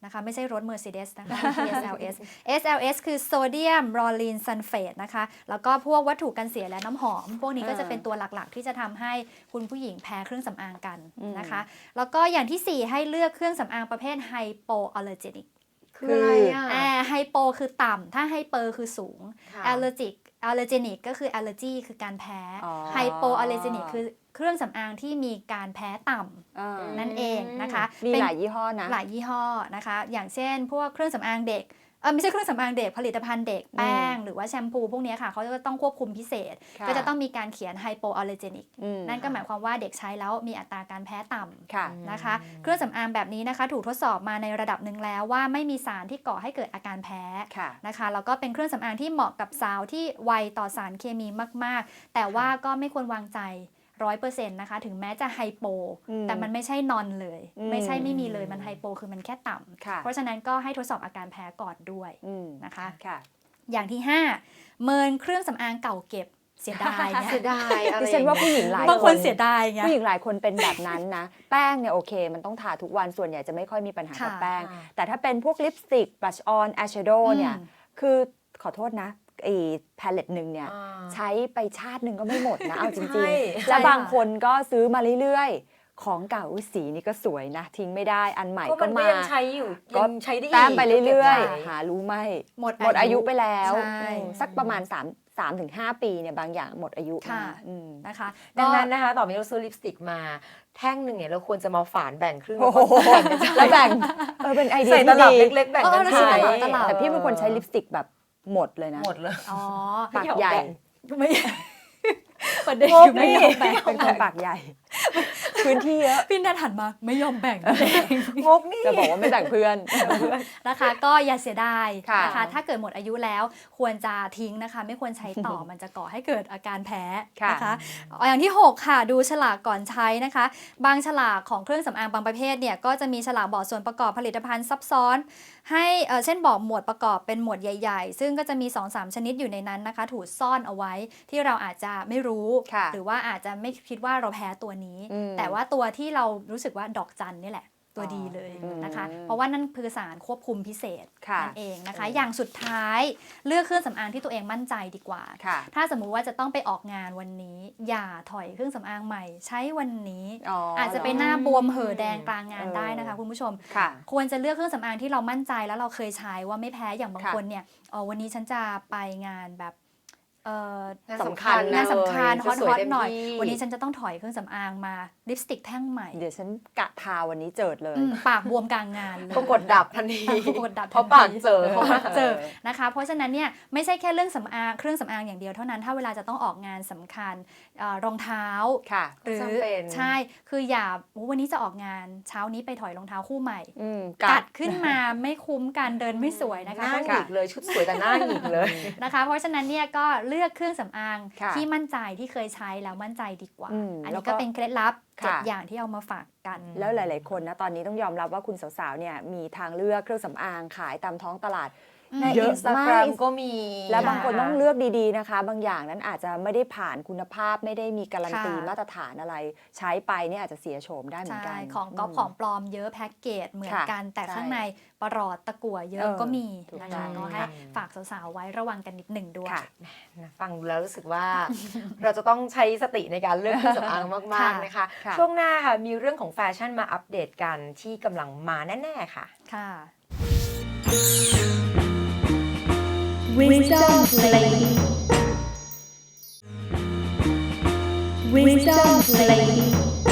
[SPEAKER 3] นะคะไม่ใช่รถ Mercedes นะคะ เอส แอล เอส เอส แอล เอส คือโซเดียมลอรีนซัลเฟตนะคะแล้วก็พวกวัตถุกันเสียและน้ำหอม พวกนี้ก็จะเป็นตัวหลักๆ ที่จะทำให้คุณผู้หญิงแพ้เครื่องสำอางกันนะคะแล้วก็อย่างที่สี่ให้เลือกเครื่องสำอางประเภทไฮโปอัลเลอร์เจนิก
[SPEAKER 1] คืออะไรอ่ะ
[SPEAKER 3] อ่าไฮโปคือต่ำถ้าไฮเปอร์คือสูง
[SPEAKER 1] ค่ะ
[SPEAKER 3] แอลเลอร์จิกแอลเลอร์เจนิกก็คือแอลเลอร์จีคือการแพ้
[SPEAKER 2] อ๋อ
[SPEAKER 3] ไฮโปอัลเลอร์เจนิกคือเครื่องสำอางที่มีการแพ้ต่ำ
[SPEAKER 2] อ่า
[SPEAKER 3] นั่นเองนะคะ
[SPEAKER 2] มี
[SPEAKER 3] เป็น
[SPEAKER 2] หลายยี่ห้อนะ
[SPEAKER 3] หลายยี่ห้อนะคะ อย่างเช่นพวกเครื่องสำอางเด็กเออไม่ใช่เครื่องสำอางเด็กผลิตภัณฑ์เด็กแป้งหรือว่าแชมพูพวกนี้ค่ะเขาจะต้องควบคุมพิเศษ
[SPEAKER 2] ค่ะ
[SPEAKER 3] ก็จะต้องมีการเขียนไฮโปอัลเลอร์เจนิก
[SPEAKER 2] อืม
[SPEAKER 3] นั่นก็หมายความว่าเด็กใช้แล้วมีอัตราการแพ้ต่ำ
[SPEAKER 2] ค่ะ
[SPEAKER 3] นะคะเครื่องสำอางแบบนี้นะคะถูกทดสอบมาในระดับหนึ่งแล้วว่าไม่มีสารที่ก่อให้เกิดอาการแพ้
[SPEAKER 2] ค่ะ
[SPEAKER 3] นะคะแล้วก็เป็นเครื่องสำอางที่เหมาะกับสาวที่ไวต่อสารเคมีมากๆ แต่ว่าก็ไม่ควรวางใจร้อยเปอร์เซ็นต์นะคะถึงแม้จะไฮโป
[SPEAKER 2] อืม
[SPEAKER 3] แต่มันไม่ใช่นอนเลย
[SPEAKER 2] อืม
[SPEAKER 3] ไม่ใช่ไม่มีเลยมันไฮโปคือมันแค่ต่
[SPEAKER 2] ค่ะ
[SPEAKER 3] ำเพราะฉะนั้นก็ให้ทดสอบอาการแพ้ก่อนด้วย
[SPEAKER 2] อืม
[SPEAKER 3] นะคะ
[SPEAKER 2] ค่ะ
[SPEAKER 3] อย่างที่ห้าเมินเครื่องสำอางเก่าเก็บเสียดายเนี่ย
[SPEAKER 1] เสียดายอะไร
[SPEAKER 2] ดิฉันว่าผู้หญิงหลาย
[SPEAKER 3] บางคนเสียดายไง
[SPEAKER 2] ผู้หญิงหลายคนเป็นแบบนั้นนะ แป้งเนี่ยโอเค มันต้องทาทุกวันส่วนใหญ่จะไม่ค่อยมีปัญหากับ
[SPEAKER 3] ค่ะ
[SPEAKER 2] แป้ง แต่ถ้าเป็นพวกลิปสติกบลัชออนอายแชโดว์เนี่ย
[SPEAKER 3] อืม
[SPEAKER 2] คือขอโทษนะไอ้แพลเลตหนึ่งเนี่ย
[SPEAKER 1] อ่า
[SPEAKER 2] ใช้ไปชาติหนึ่งก็ไม่หมดนะ เอาจ
[SPEAKER 1] ใช่
[SPEAKER 2] ริงๆ และบางคนก็ซื้อมาเรื่อยๆ ของเก่าอุ๊ยสีนี่ก็สวยนะ ทิ้งไม่ได้อันใหม่
[SPEAKER 1] ก็
[SPEAKER 2] ก็
[SPEAKER 1] มันก็
[SPEAKER 2] มา
[SPEAKER 1] ยังใช้อยู่
[SPEAKER 2] ก็
[SPEAKER 1] ยังใช้ได้อีก
[SPEAKER 2] แต้มไปเรื่อย
[SPEAKER 1] ก็บไว้
[SPEAKER 2] ๆ หารู้ไหม
[SPEAKER 3] หมด
[SPEAKER 2] หมดอายุไปแล้ว
[SPEAKER 3] ใช่
[SPEAKER 2] อืมสักประมาณ3 3ถึงห้าปีเนี่ยบางอย่างหมดอายุ
[SPEAKER 3] ค่ะ
[SPEAKER 2] นะอืม
[SPEAKER 3] นะคะ
[SPEAKER 1] ดังนั้น
[SPEAKER 3] ก็
[SPEAKER 1] นะคะต่อไปเราซื้อลิปสติกมาแท่งหนึ่งเนี่ยเราควรจะมาฝานแบ่งครึ่ง
[SPEAKER 2] โอ้โห
[SPEAKER 1] แล้วก็แบ่งกันใช้
[SPEAKER 2] แล้วแบ่งเออเป็นไอเดีย
[SPEAKER 1] ใส่ต
[SPEAKER 2] ที่
[SPEAKER 1] ลับ
[SPEAKER 2] ดี
[SPEAKER 1] เล็กๆแบ่งกัน
[SPEAKER 3] เออแล้ว
[SPEAKER 1] ใช้
[SPEAKER 3] ใส่ตลับตลับ
[SPEAKER 2] แต่พี่เป็นคนใช้ลิปสติกแบบหมดเลยนะ
[SPEAKER 1] หมดเลย
[SPEAKER 3] อ๋อ
[SPEAKER 2] ปากใหญ่
[SPEAKER 3] ไม่ประเด็น
[SPEAKER 1] งก
[SPEAKER 3] คือไม่
[SPEAKER 1] นี่
[SPEAKER 3] ยอมแบ่ง
[SPEAKER 2] เป็นคนปากใหญ่ พื้นที่เยอะ
[SPEAKER 3] พี่นัทหันมาไม่ยอมแบ่ง
[SPEAKER 1] งกนี่
[SPEAKER 2] จะบอกว่าไม่แบ่งเพื่อน
[SPEAKER 3] นะคะ ก็อย่าเสียดาย
[SPEAKER 2] ค่ะ
[SPEAKER 3] นะคะถ้าเกิดหมดอายุแล้วควรจะทิ้งนะคะ ไม่ควรใช้ต่อ มันจะก่อให้เกิดอาการแพ้นะคะอย่างที่หกค่ะดูฉลากก่อนใช้นะคะ บางฉลากของเครื่องสำอางบางประเภทเนี่ยก็จะมีฉลากบอกส่วนประกอบผลิตภัณฑ์ซับซ้อน ให้เอ่อเช่นบอกหมวดประกอบเป็นหมวดใหญ่ๆ ซึ่งก็จะมี สองสาม ชนิดอยู่ในนั้นนะคะ ถูกซ่อนเอาไว้ที่เราอาจจะไม่รู้
[SPEAKER 2] ค่ะ
[SPEAKER 3] หรือว่าอาจจะไม่คิดว่าเราแพ้ตัวนี้
[SPEAKER 2] อืม
[SPEAKER 3] แต่ว่าตัวที่เรารู้สึกว่าดอกจันนี่แหละ ตัวดีเลยนะคะ
[SPEAKER 2] อืม
[SPEAKER 3] เพราะว่านั่นคือสารควบคุมพิเศษ
[SPEAKER 2] ค่ะ
[SPEAKER 3] นั่นเองนะคะ
[SPEAKER 2] อืม
[SPEAKER 3] อย่างสุดท้ายเลือกเครื่องสำอางที่ตัวเองมั่นใจดีกว่า
[SPEAKER 2] ค่ะ
[SPEAKER 3] ถ้าสมมุติว่าจะต้องไปออกงานวันนี้ อย่าถอยเครื่องสำอางใหม่ ใช้วันนี้
[SPEAKER 2] อ๋อ
[SPEAKER 3] อาจจะไปหน้าบวมเห่อแดงกลางงานได้นะคะ
[SPEAKER 2] เออ
[SPEAKER 3] คุณผู้ชม
[SPEAKER 2] ค่ะ
[SPEAKER 3] ควรจะเลือกเครื่องสำอางที่เรามั่นใจแล้วเราเคยใช้ว่าไม่แพ้อย่างบาง
[SPEAKER 2] ค่ะ
[SPEAKER 3] คนเนี่ยอ๋อวันนี้ฉันจะไปงานแบบเอ่อ
[SPEAKER 1] งาน
[SPEAKER 2] สำคัญ
[SPEAKER 3] งานสำคัญฮอต
[SPEAKER 1] ส
[SPEAKER 3] ฮ
[SPEAKER 1] ว
[SPEAKER 3] อย ต
[SPEAKER 1] เต็ม
[SPEAKER 3] หน่อย
[SPEAKER 1] ที่
[SPEAKER 3] วันนี้ฉันจะต้องถอยเครื่องสำอางมาลิปสติกแท่งใหม่
[SPEAKER 2] เดี๋ยวฉันกะทาวันนี้เจิดเลย
[SPEAKER 3] อืมปากบวมกลางงานเลย
[SPEAKER 1] ก็กดดับทันที
[SPEAKER 3] กดดับ
[SPEAKER 1] เพราะปากเจอ
[SPEAKER 3] เพราะปากเจอนะคะเพราะฉะนั้นเนี่ยไม่ใช่แค่เรื่องสำอางเครื่องสำอางอย่างเดียวเท่านั้นถ้าเวลาจะต้องออกงานสำคัญเอ่อรองเท้า
[SPEAKER 2] ค่ะ
[SPEAKER 3] หรือ
[SPEAKER 1] จำเป็น
[SPEAKER 3] ใช่คืออย่าโอ้วันนี้จะออกงานเช้านี้ไปถอยรองเท้าคู่ใหม่
[SPEAKER 2] อืม
[SPEAKER 3] กัดขึ้นมาไม่คุ้มกันเดินไม่สวยนะ
[SPEAKER 1] ห
[SPEAKER 3] คะ
[SPEAKER 1] น้าหงิกเลยชุดสวยแต่หน้าหงิกเลย
[SPEAKER 3] นะคะ เพราะฉะนั้นเนี่ยก็เลือกเครื่องสำอาง
[SPEAKER 2] ค่ะ
[SPEAKER 3] ที่มั่นใจที่เคยใช้แล้วมั่นใจดีกว่า
[SPEAKER 2] อืม
[SPEAKER 3] อัน
[SPEAKER 2] แล้
[SPEAKER 3] นี้
[SPEAKER 2] วก็
[SPEAKER 3] ก็เป็นเคล็ดลับเจ็ด
[SPEAKER 2] ค่ะ
[SPEAKER 3] อย่างที่เอามาฝากกัน
[SPEAKER 2] แล้วหลาย ๆ คนนะตอนนี้ต้องยอมรับว่าคุณสาว ๆ เนี่ยมีทางเลือกเครื่องสำอางขายตามท้องตลาด
[SPEAKER 1] ใน
[SPEAKER 2] เย
[SPEAKER 1] อิ
[SPEAKER 2] อะ
[SPEAKER 1] นสตาแกร
[SPEAKER 2] มาก
[SPEAKER 1] มก็มี
[SPEAKER 2] และบางคน
[SPEAKER 1] ะะ
[SPEAKER 2] ต้องเลือกดี ๆ นะคะ บางอย่างนั้นอาจจะไม่ได้ผ่านคุณภาพไม่ได้มีการันตี
[SPEAKER 3] ค่ะ
[SPEAKER 2] มาตรฐานอะไร ใช้ไปเนี่ยอาจจะเสียโฉมได้เหมือน
[SPEAKER 3] ใช่
[SPEAKER 2] กัน
[SPEAKER 3] ของก๊อป
[SPEAKER 2] ม
[SPEAKER 3] ของปลอมเยอะแพ็กเกจเหมือน
[SPEAKER 2] ค่ะ
[SPEAKER 3] กันแต่
[SPEAKER 2] ใช่
[SPEAKER 3] ข้างในประหลอดตะกั่วเยอะ
[SPEAKER 2] เออ
[SPEAKER 3] ก็มี
[SPEAKER 2] ถูก
[SPEAKER 3] นะ
[SPEAKER 2] ต้
[SPEAKER 3] คะ
[SPEAKER 2] อง
[SPEAKER 3] ก็ให้
[SPEAKER 1] ค่ะ
[SPEAKER 3] ฝากสาวๆไว้ระวังกันนิดหนึ่งด้วย
[SPEAKER 2] ค่ะ
[SPEAKER 1] ฟังดูแล้วรู้สึกว่า เราจะต้องใช้สติในการเลือกเครื่องสำอางมาก ๆ นะคะ
[SPEAKER 2] ค่ะ
[SPEAKER 1] ช่วงหน้าค่ะมีเรื่องของแฟชั่นมาอัปเดตกันที่กำลังมาแน่ ๆ ค่ะ
[SPEAKER 3] ค่ะ
[SPEAKER 4] Wisdom Lady. Wisdom Lady.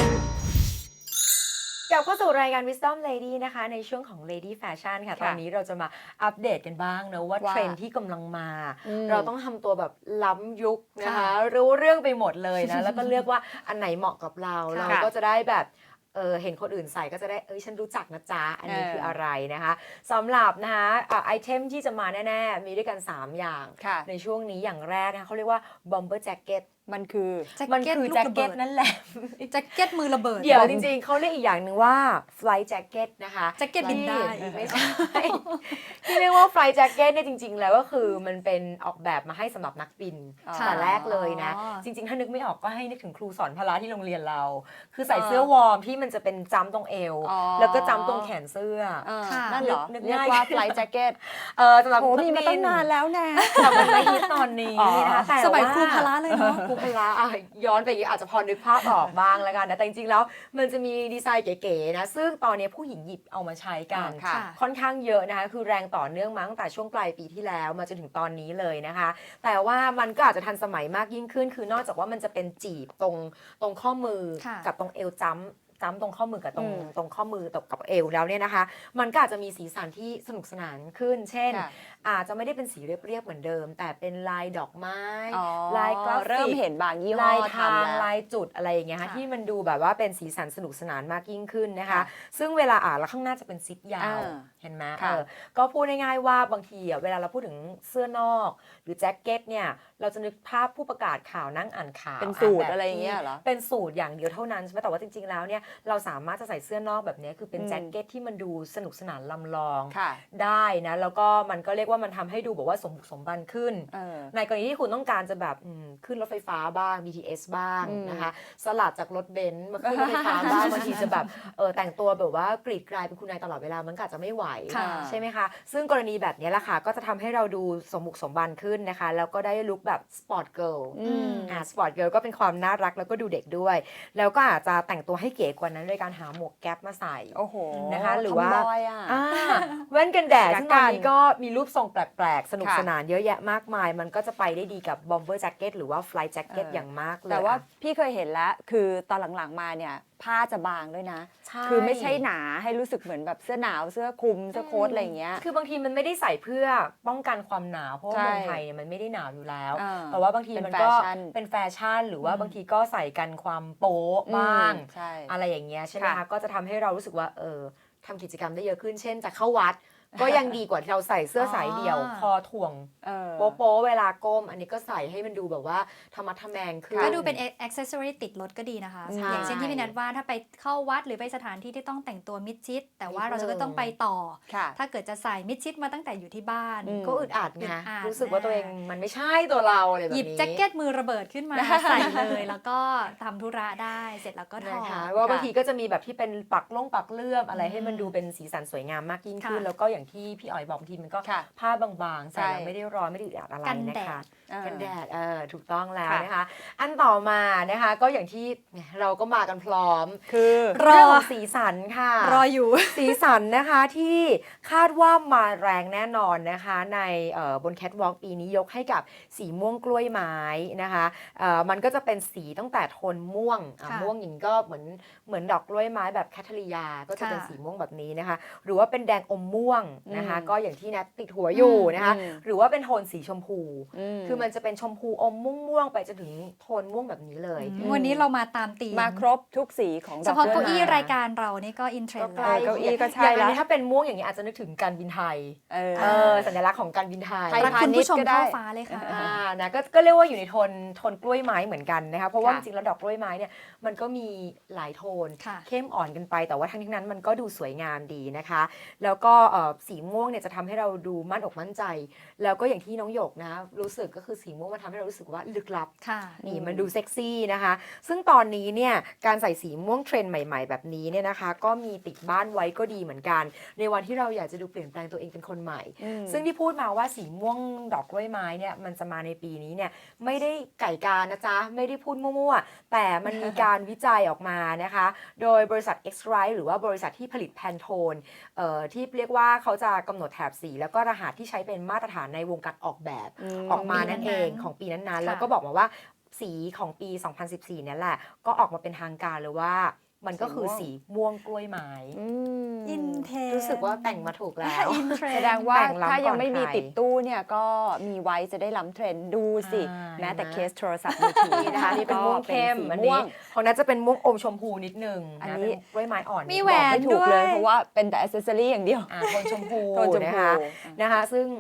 [SPEAKER 1] กลับเข้าสู่รายการ Wisdom Lady นะคะ ในช่วงของ Lady Fashion ค่ะ
[SPEAKER 2] ค่ะ
[SPEAKER 1] ตอนนี้เราจะมาอัปเดตกันบ้างนะว่า
[SPEAKER 2] ว่า
[SPEAKER 1] เทรนด์ที่กำลังมา
[SPEAKER 2] อืม
[SPEAKER 1] เราต้องทำตัวแบบล้ำยุคนะคะ
[SPEAKER 3] ค่ะ
[SPEAKER 1] รู้เรื่องไปหมดเลยนะ แล้วก็เลือกว่าอันไหนเหมาะกับเรา
[SPEAKER 3] ค่ะ
[SPEAKER 1] เราก็จะได้แบบเออเห็นคนอื่นใส่ก็จะได้เอ้ยฉันรู้จักนะจ๊ะ อันนี้
[SPEAKER 2] เออ
[SPEAKER 1] คืออะไรนะคะสำหรับนะคะอ่ะไอเทมที่จะมาแน่ ๆ มีด้วยกัน สาม อย่าง
[SPEAKER 2] ค่ะ
[SPEAKER 1] ในช่วงนี้อย่างแรกนะเขาเรียกว่า bomber jacket
[SPEAKER 2] มันคือ
[SPEAKER 3] แจ็ค
[SPEAKER 1] มัน
[SPEAKER 3] เก็ต
[SPEAKER 1] คือ
[SPEAKER 3] ลู
[SPEAKER 1] แจ็ค
[SPEAKER 3] ระ
[SPEAKER 1] เก็
[SPEAKER 3] บิ
[SPEAKER 1] ต
[SPEAKER 3] ด
[SPEAKER 1] นั่นแหละ
[SPEAKER 3] แจ็คเก็ตมือระเบิด
[SPEAKER 1] เดี๋ยวจริงๆเขาเรียกอีกอย่างหนึ่งว่า flight jacket นะคะ
[SPEAKER 3] แจ็คเก็ตบินได้
[SPEAKER 1] ที่ไม่ใช่ ที่เรียกว่า flight jacket เนี่ยจริง ๆ แล้วก็คือมันเป็นออกแบบมาให้สำหรับนักบิน
[SPEAKER 2] อ๋อ
[SPEAKER 1] แต่แรกเลยนะ
[SPEAKER 3] อ๋อ
[SPEAKER 1] จริง ๆ ถ้านึกไม่ออกก็ให้นึกถึงครูสอนพละที่โรงเรียนเรา คือใส่เสื้อวอร์มที่มันจะเป็นจ้ำตรงเอว
[SPEAKER 2] อ๋อ
[SPEAKER 1] แล้วก็จ้ำตรงแขนเสื้อ
[SPEAKER 2] เออ
[SPEAKER 3] ค่ะ
[SPEAKER 2] นั่นเหรอ
[SPEAKER 1] นึก
[SPEAKER 2] เรียก
[SPEAKER 1] ง่าย
[SPEAKER 2] ว่า flight jacket
[SPEAKER 1] เออสำหรับ
[SPEAKER 2] โห
[SPEAKER 1] นัก
[SPEAKER 2] มีมาตั้งนานแล้วนะ
[SPEAKER 1] แต่มันไม่ฮิตตอนนี้
[SPEAKER 2] อ๋อ
[SPEAKER 1] นะคะแต่
[SPEAKER 3] สมัย
[SPEAKER 1] ว่า
[SPEAKER 3] ครูพละเลยเนาะ
[SPEAKER 1] ครูพละอ่ะย้อนไปอย่างนี้อาจจะพอนึกภาพออกบ้างแล้วกันนะแต่จริงๆแล้วมันจะมีดีไซน์เก๋ๆนะซึ่งตอนนี้ผู้หญิงหยิบเอามาใช้กัน
[SPEAKER 2] ค่ะ
[SPEAKER 1] ค่อนข้างเยอะนะคะคือแรงต่อเนื่องมาตั้งแต่ช่วงปลายปีที่แล้วมาจนถึงตอนนี้เลยนะคะ แต่ว่ามันก็อาจจะทันสมัยมากยิ่งขึ้น คือนอกจากว่ามันจะเป็นจีบตรงตรงข้อมือ
[SPEAKER 3] ค่ะ
[SPEAKER 1] กับตรงเอวจ้ำจ้ำตรงข้อมือกับตรง
[SPEAKER 2] อืม
[SPEAKER 1] ตรงข้อมือตกกับเอวแล้วเนี่ยนะคะ มันก็อาจจะมีสีสันที่สนุกสนานขึ้น เช่น
[SPEAKER 2] ค่ะ
[SPEAKER 1] อาจจะไม่ได้เป็นสีเรียบๆเหมือนเดิม แต่เป็นลายดอกไม้
[SPEAKER 2] อ๋อ
[SPEAKER 1] ลายกราฟิก
[SPEAKER 2] เริ่มเห็นบางยี่ห้อ
[SPEAKER 1] ลายทาง
[SPEAKER 2] ทำแล้ว
[SPEAKER 1] ลายจุดอะไรอย่างเงี้ยค่ะ
[SPEAKER 3] ค่ะ
[SPEAKER 1] ที่มันดูแบบว่าเป็นสีสันสนุกสนานมากยิ่งขึ้นนะคะ
[SPEAKER 2] ค่ะ
[SPEAKER 1] ซึ่งเวลาอ่านแล้วข้างหน้าจะเป็นซิปยาว
[SPEAKER 2] อ่า
[SPEAKER 1] เห็นไหม
[SPEAKER 2] ค่ะ
[SPEAKER 1] เออก็พูดง่ายๆว่าบางทีอ่ะเวลาเราพูดถึงเสื้อนอก หรือแจ็คเก็ตเนี่ยเราจะนึกภาพผู้ประกาศข่าวนั่งอ่านข่าว
[SPEAKER 2] เป็นสูตร
[SPEAKER 1] แบบ
[SPEAKER 2] อะไรอย่างเงี้ย
[SPEAKER 1] ที่
[SPEAKER 2] เหรอ
[SPEAKER 1] เป็นสูตรอย่างเดียวเท่านั้นใช่ไหมแต่ว่าจริงๆแล้วเนี่ยเราสามารถจะใส่เสื้อนอกแบบเนี้ยคือเป็น
[SPEAKER 2] อืม
[SPEAKER 1] แจ็คเก็ตที่มันดูสนุกสนานลำลอง
[SPEAKER 2] ค่ะ
[SPEAKER 1] ได้นะแล้วก็มันก็เรียกว่ามันทำให้ดูแบบว่าสมบุกสมบันขึ้น
[SPEAKER 2] เออ
[SPEAKER 1] ในกรณีที่คุณต้องการจะแบบอืมขึ้นรถไฟฟ้าบ้าง บี ที เอส บ้าง
[SPEAKER 2] อืม
[SPEAKER 1] นะคะสลัดจากรถเบนซ์มาขึ้นรถไฟฟ้าบ้าง บางทีจะแบบเออแต่งตัวแบบว่ากรีดกรายเป็นคุณนายตลอดเวลามันก็อาจจะไม่ไหว
[SPEAKER 3] ค่ะ
[SPEAKER 1] ใช่ไหมคะซึ่งกรณีแบบนี้แหละค่ะก็จะทำให้เราดูสมบุกสมบันขึ้นนะคะแล้วก็ได้ลุคแบบสปอร์ตเกิร์ล
[SPEAKER 2] อืม
[SPEAKER 1] อ่าสปอร์ตเกิร์ลก็เป็นความน่ารักแล้วก็ดูเด็กด้วย แล้วก็อาจจะแต่งตัวให้เก๋กว่านั้นโดยการหาหมวกแก๊ปมาใส่
[SPEAKER 2] โอ้โห
[SPEAKER 1] นะคะหรือว่า
[SPEAKER 2] ทำบอยอ่ะ
[SPEAKER 1] อ่าแว่นกันแดด
[SPEAKER 2] ยักษ์
[SPEAKER 1] ซึ่งตอนนี้
[SPEAKER 2] กัน
[SPEAKER 1] ก็มีรูปทรงแปลกๆ สนุก
[SPEAKER 2] ค่ะ
[SPEAKER 1] สนานเยอะแยะมากมาย มันก็จะไปได้ดีกับบอมเบอร์แจ็คเก็ตหรือว่าฟลายแจ็คเก็ต
[SPEAKER 2] เออ
[SPEAKER 1] อ
[SPEAKER 2] อ
[SPEAKER 1] ย่างมากเลย
[SPEAKER 2] แต่ว่า
[SPEAKER 1] อะ
[SPEAKER 2] พี่เคยเห็นแล้ว คือตอนหลังๆมาเนี่ย ผ้าจะบางด้วยนะ
[SPEAKER 1] ใช่
[SPEAKER 2] คือไม่ใช่หนาให้รู้สึกเหมือนแบบเสื้อหนาวเสื้อคลุมเสื้อโค้ทอะไรอย่างเงี้ย
[SPEAKER 1] คือบางทีมันไม่ได้ใส่เพื่อป้องกันความหนาว เพราะว่า
[SPEAKER 2] ใช่
[SPEAKER 1] เมืองไทยเนี่ยมันไม่ได้หนาวอยู่แล้ว
[SPEAKER 2] อ่า
[SPEAKER 1] แต่ว่าบางที
[SPEAKER 2] เป็น
[SPEAKER 1] มันก็
[SPEAKER 2] แฟชั่น
[SPEAKER 1] เป็นแฟชั่น หรือว่า
[SPEAKER 2] อืม
[SPEAKER 1] บางทีก็ใส่กันความโป๊ะบ้าง
[SPEAKER 2] อืมใช่
[SPEAKER 1] อะไรอย่างเงี้ยใช่ไหม
[SPEAKER 2] ค่ะ
[SPEAKER 1] คะ ก็จะทำให้เรารู้สึกว่าเออทำกิจกรรมได้เยอะขึ้น เช่นจะเข้าวัด ก็ยังดีกว่าที่เราใส่เสื้อสายเดี่ยว
[SPEAKER 3] อ๋อ
[SPEAKER 1] คอถ่วง
[SPEAKER 2] เออ
[SPEAKER 1] โป๊ะๆเวลาก้ม อันนี้ก็ใส่ให้มันดูแบบว่าธรรมะทะแมงขึ้น
[SPEAKER 3] ก็ดูเป็น accessory ติดรถก็ดีนะคะ
[SPEAKER 2] ใช่
[SPEAKER 3] อย่างเช่นที่พี่นัทว่าถ้าไปเข้าวัดหรือไปสถานที่ที่ต้องแต่งตัวมิดชิด แต่ว่าเราจะก็ต้องไปต่อ
[SPEAKER 2] ค่ะ
[SPEAKER 3] ถ้าเกิดจะใส่มิดชิดมาตั้งแต่อยู่ที่บ้าน
[SPEAKER 2] อืม
[SPEAKER 1] ก็อึดอัด
[SPEAKER 3] อึ
[SPEAKER 1] ไง
[SPEAKER 3] ดอัด
[SPEAKER 1] รู้สึกว่าตัวเองมันไม่ใช่ตัวเราอะไรแบบ
[SPEAKER 3] หยิ
[SPEAKER 1] นี้
[SPEAKER 3] บแจ็คเก็ตมือระเบิดขึ้นมา ใส่เลย แล้วก็ทำธุระได้เสร็จแล้วก็ถ
[SPEAKER 1] นะ
[SPEAKER 3] อ
[SPEAKER 1] คะ
[SPEAKER 3] ด
[SPEAKER 1] ว่าบางทีก็จะมีแบบที่เป็นปักล่งปักเลื่อมอะไร
[SPEAKER 3] อืม
[SPEAKER 1] ให้มันดูเป็นสีสันสวยงามมากยิ่งขึ้น
[SPEAKER 3] ค่ะ
[SPEAKER 1] แล้วก็อย่างที่พี่อ๋อยบอกบางทีมันก็
[SPEAKER 2] ค่ะ
[SPEAKER 1] ผ้าบางๆใส่
[SPEAKER 2] ใช่
[SPEAKER 1] แล้วไม่ได้ร้อนไม่ได้อึดอัดอะไร
[SPEAKER 3] กัน
[SPEAKER 1] นะ
[SPEAKER 3] แด
[SPEAKER 1] คะ
[SPEAKER 3] ด
[SPEAKER 2] เออ
[SPEAKER 1] กันแดดเออถูกต้องแล้ว
[SPEAKER 2] ค่ะ
[SPEAKER 1] นะคะ อันต่อมานะคะก็อย่างที่เนี่ยเราก็มากันพร้อม
[SPEAKER 2] คือ
[SPEAKER 3] รอ
[SPEAKER 1] เรื่องของสีสันค่ะ
[SPEAKER 3] รออยู่
[SPEAKER 1] สีสันนะคะที่คาดว่ามาแรงแน่นอนนะคะในเอ่อบนแคทวอล์กปีนี้ยกให้กับสีม่วงกล้วยไม้นะคะเอ่อมันก็จะเป็นสีตั้งแต่โทนม่วงอ่ะ
[SPEAKER 3] ค่ะ
[SPEAKER 1] ม่วงอย่างนี้ก็เหมือนเหมือนดอกกล้วยไม้แบบแคทเธอรียาก็จะเป็น
[SPEAKER 3] ค่ะ
[SPEAKER 1] สีม่วงแบบนี้นะคะหรือว่าเป็นแดงอมม่วงนะคะ
[SPEAKER 2] อืม
[SPEAKER 1] ก็อย่างที่นัทติดหัวอยู่นะคะ
[SPEAKER 2] อืม
[SPEAKER 1] หรือว่าเป็นโทนสีชมพู
[SPEAKER 2] ม
[SPEAKER 1] คือมันจะเป็นชมพูอมม่วงๆไปจนถึงโทนม่วงแบบนี้เลย
[SPEAKER 3] อืมวันนี้เรามาตามธีม
[SPEAKER 2] มาครบทุกสีของด
[SPEAKER 3] เฉ
[SPEAKER 2] อก
[SPEAKER 3] พาะ
[SPEAKER 2] กล้
[SPEAKER 3] เก้า
[SPEAKER 2] วย
[SPEAKER 3] อี้
[SPEAKER 2] ไม้
[SPEAKER 3] รายการเรานี่ก็อินเทรน
[SPEAKER 1] ก็
[SPEAKER 3] ด์
[SPEAKER 1] ใก
[SPEAKER 3] เล
[SPEAKER 1] ล้
[SPEAKER 3] ย
[SPEAKER 2] เก้าอี้ก็ใช่
[SPEAKER 1] อย่างอัน
[SPEAKER 2] ละ
[SPEAKER 1] นี้ถ้าเป็นม่วงอย่างนี้อาจจะนึกถึงการบินไทย
[SPEAKER 2] เออ
[SPEAKER 1] เออสัญลักษณ์ของการบินไทย
[SPEAKER 2] ไทย
[SPEAKER 3] รักคุณผู้ชม
[SPEAKER 2] พาณิชย์ก็ได้
[SPEAKER 3] เข้าฟ้าเลยค่ะ
[SPEAKER 1] อ่านะก็ก็เรียกว่าอยู่ในโทนโทนกล้วยไม้เหมือนกันนะคะเพราะว่าจ
[SPEAKER 2] ค่ะ
[SPEAKER 1] ริงๆแล้วดอกกล้วยไม้เนี่ยมันก็มีหลายโทน
[SPEAKER 3] ค่ะ
[SPEAKER 1] เข้มอ่อนกันไปแต่ว่าทั้งนี้นั้นมันก็ดูสวยงามดีนะคะ แล้วก็เอ่อสีม่วงเนี่ยจะทำให้เราดูมั่นอกมั่นใจ แล้วก็อย่างที่น้องหยกนะรู้สึกก็คือสีม่วงมันทำให้เรารู้สึกว่าลึกลับ
[SPEAKER 3] ค่ะ
[SPEAKER 1] นี่มันดูเซ็กซี่นะคะ ซึ่งตอนนี้เนี่ยการใส่สีม่วงเทรนด์ใหม่ๆ แบบนี้เนี่ยนะคะ ก็มีติดบ้านไว้ก็ดีเหมือนกัน ในวันที่เราอยากจะดูเปลี่ยนแปลงตัวเองเป็นคนใหม่
[SPEAKER 2] อืม
[SPEAKER 1] ซึ่งที่พูดมาว่าสีม่วงดอกกล้วยไม้เนี่ยมันจะมาในปีนี้เนี่ยไม่ได้ไก่การนะจ๊ะ ไม่ได้พูดมั่วๆ แต่มันมีการวิจัยออกมานะคะ โดยบริษัท X-Rite หรือว่าบริษัทที่ผลิตแพนโทนเอ่อที่เรียกว่าเขาจะกำหนดแถบสี แล้วก็รหัสที่ใช้เป็นมาตรฐานในวงการออกแบบ
[SPEAKER 2] ม
[SPEAKER 1] ออกมานั่นเอง
[SPEAKER 3] นั้นๆ
[SPEAKER 1] ของปีนั้นๆ
[SPEAKER 3] ค่ะ
[SPEAKER 1] แล้วก็บอกมาว่าสีของปี สองพันสิบสี่ เนี่ยแหละ ก็ออกมาเป็นทางการเลยว่ามันก็คือสีม่วงกล้วยไม้
[SPEAKER 2] อืม
[SPEAKER 3] อินเทรนด์
[SPEAKER 1] รู้สึกว่าแต่งมาถูกแล้ว
[SPEAKER 3] อินเทรนด์
[SPEAKER 2] แสดงว่า
[SPEAKER 1] แต่งล้ำ
[SPEAKER 2] ถ้ายังไม่มี
[SPEAKER 1] ก่อนใคร
[SPEAKER 2] ติดตู้เนี่ยก็มีไว้จะได้ล้ำเทรนด์ดูสิ
[SPEAKER 1] อ่า
[SPEAKER 2] แม้แต่
[SPEAKER 1] เห็นไหม
[SPEAKER 2] เคสโทรศัพท์มือถือ
[SPEAKER 1] นี่นะคะนี่เป็นม่วงเข้ม
[SPEAKER 2] ก็
[SPEAKER 1] อั
[SPEAKER 2] ป็
[SPEAKER 1] น
[SPEAKER 2] นสีม่
[SPEAKER 1] นี้
[SPEAKER 2] วง
[SPEAKER 1] ของนั้นจะเป็นม่วงอมชมพูนิดนึง
[SPEAKER 2] อัน
[SPEAKER 1] นะ
[SPEAKER 2] นี้
[SPEAKER 1] เป็นกล้วยไม้อ่อน
[SPEAKER 3] มี
[SPEAKER 1] นิด
[SPEAKER 3] แหว
[SPEAKER 2] บอก
[SPEAKER 3] น
[SPEAKER 2] ไม่ถูกเลย
[SPEAKER 3] ด้วย
[SPEAKER 2] เพราะว่าเป็นแต่อ c เซสซอรี่อย่างเดียว
[SPEAKER 1] อ่าโทนชมพู
[SPEAKER 2] โทนชมพู
[SPEAKER 1] นะคะนะคะ ซึ่ง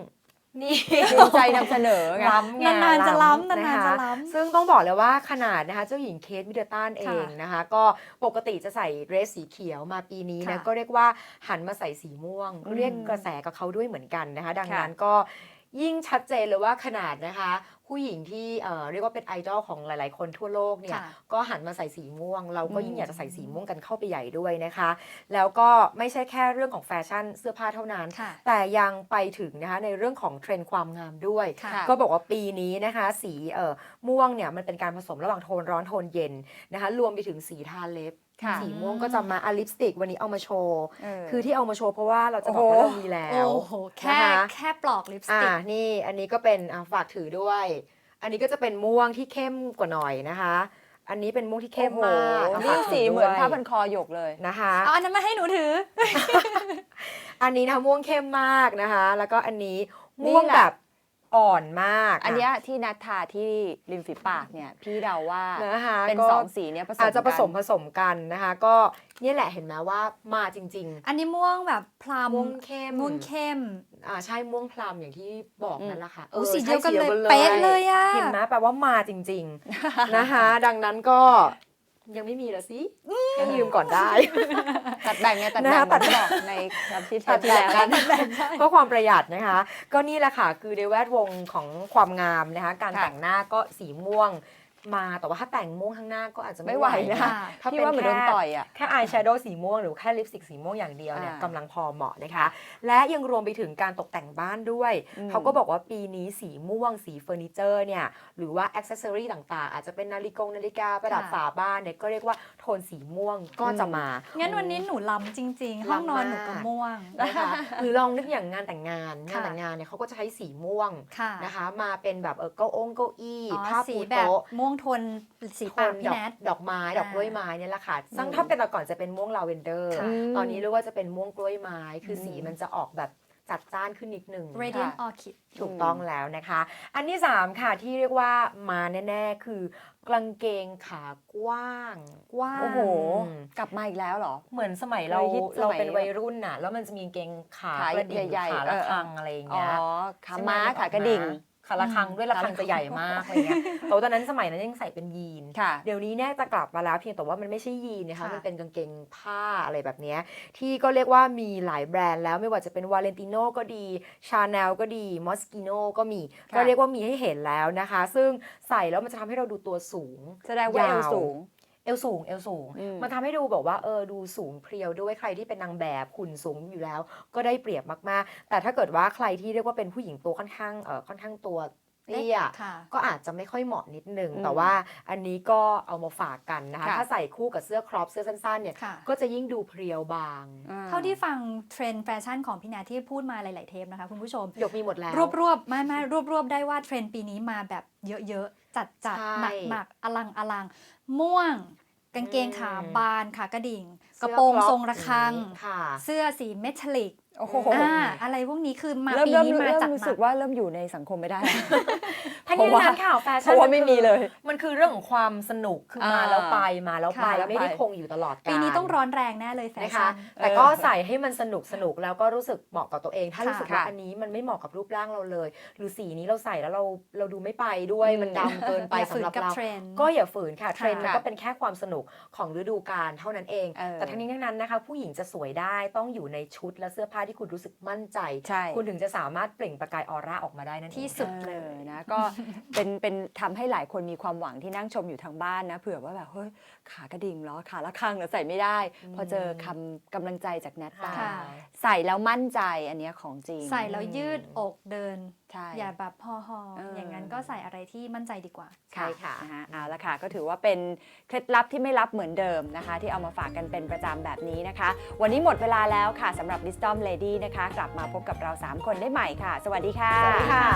[SPEAKER 1] นี่
[SPEAKER 2] ภูมิใจนำเสนอไง
[SPEAKER 1] ล้ำไง
[SPEAKER 3] นานๆจะล้ำ
[SPEAKER 1] นะ
[SPEAKER 3] นานๆ
[SPEAKER 1] คะ
[SPEAKER 3] จะล้ำ
[SPEAKER 1] ซึ่งต้องบอกเลยว่าขนาดนะคะเจ้าหญิงเคทมิดเดิลตันเอ
[SPEAKER 3] ค่ะ
[SPEAKER 1] งนะคะก็ปกติจะใส่เดรสสีเขียวมาปีนี้นะ
[SPEAKER 3] ค่ะ
[SPEAKER 1] ก็เรียกว่าหันมาใส่สีม่วง
[SPEAKER 2] อืม
[SPEAKER 1] เรียกกระแสกับเขาด้วยเหมือนกันนะคะ ดัง
[SPEAKER 2] ค่ะ
[SPEAKER 1] นั้นก็ยิ่งชัดเจนเลยว่าขนาดนะคะ ผู้หญิงที่เอ่อเรียกว่าเป็นไอดอลของหลายๆ คนทั่วโลกเนี่ย
[SPEAKER 3] ค่ะ
[SPEAKER 1] ก็หันมาใส่สีม่วง เราก็ยิ่ง
[SPEAKER 2] อืม
[SPEAKER 1] อยากจะใส่สีม่วงกันเข้าไปใหญ่ด้วยนะคะ แล้วก็ไม่ใช่แค่เรื่องของแฟชั่นเสื้อผ้าเท่านั้น
[SPEAKER 3] ค่ะ
[SPEAKER 1] แต่ยังไปถึงนะคะในเรื่องของเทรนด์ความงามด้วย
[SPEAKER 3] ค่ะ
[SPEAKER 1] ก็บอกว่าปีนี้นะคะสีเอ่อม่วงเนี่ยมันเป็นการผสมระหว่างโทนร้อนโทนเย็นนะคะรวมไปถึงสีทาเล็บ
[SPEAKER 2] ค่ะ
[SPEAKER 1] สีม่วงก็จะมาอะลิปสติกวันนี้เอามาโชว์
[SPEAKER 2] เออ
[SPEAKER 1] คือที่เอามาโชว์เพราะว่าเราจะบอกว่า
[SPEAKER 2] โอ้
[SPEAKER 1] เรา
[SPEAKER 2] โห
[SPEAKER 1] มีแล้ว
[SPEAKER 3] โอ้โห แค่
[SPEAKER 1] นะคะ
[SPEAKER 3] แค่ปลอกลิปส
[SPEAKER 1] อ่า
[SPEAKER 3] ติก
[SPEAKER 1] นี่อันนี้ก็เป็นอ่ะฝากถือด้วย อันนี้ก็จะเป็นม่วงที่เข้มกว่าหน่อยนะคะ อันนี้เป็นม่วงที่เข้มมาก
[SPEAKER 2] โอ้
[SPEAKER 1] อ่ะ
[SPEAKER 2] โหนี่
[SPEAKER 1] ฝากถื
[SPEAKER 2] สีเหมือน
[SPEAKER 1] ด้วย
[SPEAKER 2] ผ้าพันคอหยกเลย
[SPEAKER 1] นะคะ
[SPEAKER 3] เอาอันนั้นมาให้หนูถือ
[SPEAKER 1] อันนี้นะคะม่วงเข้มมากนะคะ แล้วก็อันนี้
[SPEAKER 2] นี่
[SPEAKER 1] ม่วง
[SPEAKER 2] แหละ
[SPEAKER 1] แบบอ่อนมาก
[SPEAKER 2] อันเนี้ยที่นัดทาที่ริมฝีปากเนี่ย พี่เดาว่า
[SPEAKER 1] นะคะ
[SPEAKER 2] เป็น
[SPEAKER 1] ก็
[SPEAKER 2] สองสีเนี้ยผสม
[SPEAKER 1] อาจจะผสม
[SPEAKER 2] กัน
[SPEAKER 1] ผสมกันนะคะ ก็เนี่ยแหละเห็นไหมว่ามาจริง
[SPEAKER 3] อันนี้ม่วงแบบพลัม
[SPEAKER 1] ม่วงเข้ม
[SPEAKER 3] ม่วงเข้ม
[SPEAKER 1] ๆอ่าใช่ม่วงพลัมอย่างที่บอก
[SPEAKER 2] อืม
[SPEAKER 1] นั่นแหละค่ะ
[SPEAKER 3] โอ้
[SPEAKER 1] ออ
[SPEAKER 3] สีเดียวกัน
[SPEAKER 1] ใช่
[SPEAKER 3] เลยเป๊ะเลยอะ
[SPEAKER 1] เห็นไหมแปลว่ามาจริง ๆ นะคะ ดังนั้นก็ยังไม่มีละสิให้ยืมก่อนได้
[SPEAKER 2] ตัดแบ่งไงตัด
[SPEAKER 1] นะ
[SPEAKER 2] แบ่
[SPEAKER 1] คะ
[SPEAKER 2] ง
[SPEAKER 1] ตั
[SPEAKER 2] ตั
[SPEAKER 1] ด
[SPEAKER 2] ดบอกในครับที่
[SPEAKER 1] ตัด
[SPEAKER 2] ที่
[SPEAKER 1] แบ่
[SPEAKER 2] แล้
[SPEAKER 1] ง
[SPEAKER 2] ว
[SPEAKER 1] กันเพื่อความประหยัดนะคะ ก็นี่แหละค่ะ คือในแวดวงของความงามนะคะ การ
[SPEAKER 2] ค่ะ
[SPEAKER 1] แต่งหน้าก็สีม่วงมาแต่ว่าถ้าแต่งม่วงข้างหน้าก็อาจจะ
[SPEAKER 2] ไม่
[SPEAKER 1] ไม่
[SPEAKER 2] ไหวนะ
[SPEAKER 1] คะถ้า
[SPEAKER 2] พี่
[SPEAKER 1] เป็น
[SPEAKER 2] ว่าเหมือนโดน
[SPEAKER 1] แค่
[SPEAKER 2] ต่อยอ่ะ
[SPEAKER 1] แค่อายแชโดว์สีม่วงหรือแค่ลิปสติกสีม่วงอย่างเดียวเนี่ย
[SPEAKER 2] อ่าก
[SPEAKER 1] ำลังพอเหมาะนะคะ และยังรวมไปถึงการตกแต่งบ้านด้วย
[SPEAKER 2] อืม
[SPEAKER 1] เขาก็บอกว่าปีนี้สีม่วงสีเฟอร์นิเจอร์เนี่ยหรือว่าอ็อกเซสซอรีต่างๆ อาจจะเป็นนาฬิกงนาฬิกาประดับ
[SPEAKER 3] ค่ะ
[SPEAKER 1] ฝาบ้านเนี่ยก็เรียกว่าโทนสีม่วงก็จะมา
[SPEAKER 3] งั้นวันนี้หนูล้ำจริง ๆ ห้องนอนหนูก็ม่วง
[SPEAKER 1] นะคะหรือลองนึกอย่างงานแต่งงานงาน
[SPEAKER 3] ค่ะ
[SPEAKER 1] แต่งงานเนี่ยเขาก็จะใช้สีม่วง
[SPEAKER 3] ค่ะ
[SPEAKER 1] นะคะ มาเป็นแบบเออเก้าองเก้าอี้
[SPEAKER 3] อ๋อ
[SPEAKER 1] ผ้า
[SPEAKER 3] สี
[SPEAKER 1] ปู
[SPEAKER 3] แบบ
[SPEAKER 1] โต๊ะ
[SPEAKER 3] ม่วงโทนสี
[SPEAKER 1] โท
[SPEAKER 3] ปาก
[SPEAKER 1] น
[SPEAKER 3] พี่
[SPEAKER 1] ดอก
[SPEAKER 3] แนท
[SPEAKER 1] ดอกไม้ดอกกล้วยไม้เนี่ยแหละค่ะซึ่ง
[SPEAKER 2] อืม
[SPEAKER 1] ถ้าเป็นแต่ก่อนจะเป็นม่วงลาเวนเดอร์
[SPEAKER 3] ค่ะ
[SPEAKER 1] ตอนนี้เรียกว่าจะเป็นม่วงกล้วยไม้ คืออ
[SPEAKER 2] ม
[SPEAKER 1] สีมันจะออกแบบจัดจ้านขึ้นนิดนึง
[SPEAKER 3] Radiant Orchid
[SPEAKER 1] ถูกต้องแล้วนะคะ อันที่สามค่ะที่เรียกว่ามาแน่ๆคือกางเกงขากว้าง
[SPEAKER 3] กว้าง
[SPEAKER 2] โอ้โห
[SPEAKER 1] อืม
[SPEAKER 2] กลับมาอีกแล้วเหรอ
[SPEAKER 1] เหมือนสมัยเรา
[SPEAKER 2] เคยฮิตสมัย
[SPEAKER 1] เราเป็นวัยรุ่นน่ะแล้วมันจะมีกางเกงขา
[SPEAKER 2] ขาก
[SPEAKER 1] ระดิ่ง
[SPEAKER 2] ใหญ่ๆ
[SPEAKER 1] ขาละ
[SPEAKER 2] เออ
[SPEAKER 1] คังอะไรอย่าง
[SPEAKER 2] อ๋อ
[SPEAKER 1] เงี้ย
[SPEAKER 2] ขาม้าขากระดิ่ง
[SPEAKER 1] ขาละคังด้วยละคังจะใหญ่มากอะไรเงี้ยแต่ว่าตอนนั้นสมัยนั้นยังใส่เป็นยีน
[SPEAKER 2] ค่ะ
[SPEAKER 1] เดี๋ยวนี้เนี่ยจะกลับมาแล้วเพียงแต่ว่ามันไม่ใช่ยีนนะคะ
[SPEAKER 3] ค่ะ
[SPEAKER 1] มันเป็นกางเกงผ้าอะไรแบบเนี้ยที่ก็เรียกว่ามีหลายแบรนด์แล้วไม่ว่าจะเป็นวาเลนติโนก็ดีชาแนลก็ดีมอสกิโนก็มี
[SPEAKER 2] ค่ะ
[SPEAKER 1] ก็เรียกว่ามีให้เห็นแล้วนะคะ ซึ่งใส่แล้วมันจะทำให้เราดูตัวสูง
[SPEAKER 2] แสดงว่าเอวย
[SPEAKER 1] าว
[SPEAKER 2] สูง
[SPEAKER 1] เอวสูงเอวสูง
[SPEAKER 2] อืม
[SPEAKER 1] มันทำให้ดูแบบว่าเออดูสูงเพรียวด้วยใครที่เป็นนางแบบหุ่นสูงอยู่แล้ว ก็ได้เปรียบมากๆ แต่ถ้าเกิดว่าใครที่เรียกว่าเป็นผู้หญิงตัวค่อนข้างเออค่อนข้างตัวเตี้ย
[SPEAKER 3] ค่ะ
[SPEAKER 1] ก็อาจจะไม่ค่อยเหมาะนิดนึง
[SPEAKER 2] อืม
[SPEAKER 1] แต่ว่าอันนี้ก็เอามาฝากกันนะคะ
[SPEAKER 2] ค่ะ
[SPEAKER 1] ถ้าใส่คู่กับเสื้อครอปเสื้อสั้นๆเนี่ย
[SPEAKER 3] ค่ะ
[SPEAKER 1] ก็จะยิ่งดูเพรียวบาง
[SPEAKER 2] อ่
[SPEAKER 3] เท่าที่ฟังเทรนด์แฟชั่นของพี่แนทที่พูดมาหลาย ๆ เทปนะคะคุณผู้ชม
[SPEAKER 1] หยกมีหมดแล้ว
[SPEAKER 3] รวบรวบๆไม่ไม่รวบรวบๆได้ว่าเทรนด์ปีนี้มาแบบเยอะ ๆ จัดจัด
[SPEAKER 1] ใช่
[SPEAKER 3] หนักหนักๆอลังอลังม่วง กางเกงขา
[SPEAKER 1] อืม
[SPEAKER 3] บานขากระดิ่ง ก
[SPEAKER 1] เสื้
[SPEAKER 3] ระ
[SPEAKER 1] อ
[SPEAKER 3] โปรง
[SPEAKER 1] คอป
[SPEAKER 3] ทรงระฆัง
[SPEAKER 1] อย่างนี้ค่ะ
[SPEAKER 3] เสื้อสีเมทัลลิก
[SPEAKER 2] โอ้โห
[SPEAKER 3] อ่าอะไรพวกนี้คือมา
[SPEAKER 2] เริ่ม
[SPEAKER 3] ปี
[SPEAKER 2] เริ่ม
[SPEAKER 3] นี้มา
[SPEAKER 2] เริ่ม
[SPEAKER 3] จัด
[SPEAKER 2] รู้
[SPEAKER 3] หนั
[SPEAKER 2] สึก
[SPEAKER 3] ก
[SPEAKER 2] ว่าเริ่มอยู่ในสังคมไม่ได้
[SPEAKER 1] ทั้ง
[SPEAKER 2] เพราะ
[SPEAKER 1] นี้
[SPEAKER 2] ว่า
[SPEAKER 1] ทั้งนั้นข่าวแฟ
[SPEAKER 2] เพ
[SPEAKER 1] ชั่น
[SPEAKER 2] ราะว่าไม่มีเลย
[SPEAKER 1] มันคือเรื่องของความสนุกคือมา
[SPEAKER 2] อ่า
[SPEAKER 1] แล้วไปมาแล้วไป
[SPEAKER 3] ค่ะ
[SPEAKER 1] ไม่ได้
[SPEAKER 2] ไป
[SPEAKER 1] คงอยู่ตลอดกาล
[SPEAKER 3] ปีนี้ต้องร้อนแรงแน่เลยแฟ
[SPEAKER 1] นะคะ
[SPEAKER 3] ชั่น
[SPEAKER 1] แต่ก็ใส่ให้มันสนุกสนุกแล้วก็รู้สึกเหมาะกับตัวเอง ถ้า
[SPEAKER 3] ค่ะ
[SPEAKER 1] รู้สึกว่า
[SPEAKER 2] ค่ะ
[SPEAKER 1] อันนี้มันไม่เหมาะกับรูปร่างเราเลย หรือสีนี้เราใส่แล้วเราเราดูไม่ไปด้วย
[SPEAKER 2] อืม
[SPEAKER 1] มันดำเกินไป
[SPEAKER 3] อย่าฝื
[SPEAKER 1] สำ
[SPEAKER 3] น
[SPEAKER 1] หรับ
[SPEAKER 3] กับ
[SPEAKER 1] เรา
[SPEAKER 3] เทรนด์
[SPEAKER 1] ก็อย่าฝืนค่ะเทรนด์มัน
[SPEAKER 2] ค่ะ
[SPEAKER 1] ก็เป็นแค่ความสนุกของฤดูกาลเท่านั้นเอง
[SPEAKER 2] เออ
[SPEAKER 1] แต่ทั้งนี้ทั้งนั้นนะคะ ผู้หญิงจะสวยได้ต้องอยู่ในชุดและเสื้อผ้าที่คุณรู้สึกมั่นใจ
[SPEAKER 2] ใช่
[SPEAKER 1] คุณถึงจะสามารถเปล่งประกายออร่าออกมาได้นั่นเอง
[SPEAKER 3] ที่สุด
[SPEAKER 2] เออนะก็เป็นเป็นทำให้หลายคนมีความหวังที่นั่งชมอยู่ทางบ้านนะเผื่อว่าแบบเฮ้ยขากระดิ่งเหรอขาละข้างเหรอใส่ไม่ได้ พอเจอคำกำลังใจจากแนทไป
[SPEAKER 3] ค่ะ
[SPEAKER 2] ใส่แล้วมั่นใจอันเนี้ยของจริง
[SPEAKER 3] ใส่แล้วยืดอกเดิน
[SPEAKER 2] ใช่
[SPEAKER 3] อย่าแบบห่อหอๆ
[SPEAKER 2] เอออ
[SPEAKER 3] อย่างนั้นก็ใส่อะไรที่มั่นใจดีกว่า
[SPEAKER 1] ใช่ค่ะ
[SPEAKER 2] นฮเอาละค่ะก็ถือว่าเป็นเคล็ดลับที่ไม่ลับเหมือนเดิมนะคะ ที่เอามาฝากกันเป็นประจำแบบนี้นะคะ วันนี้หมดเวลาแล้วค่ะสำหรับ Wisdom Lady นะคะ กลับมาพบกับเราสามคนได้ใหม่ค่ะ สวัสดีค่ะ
[SPEAKER 1] สวัสดีค่ะ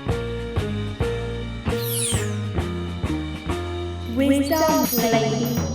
[SPEAKER 4] Wisdom Lady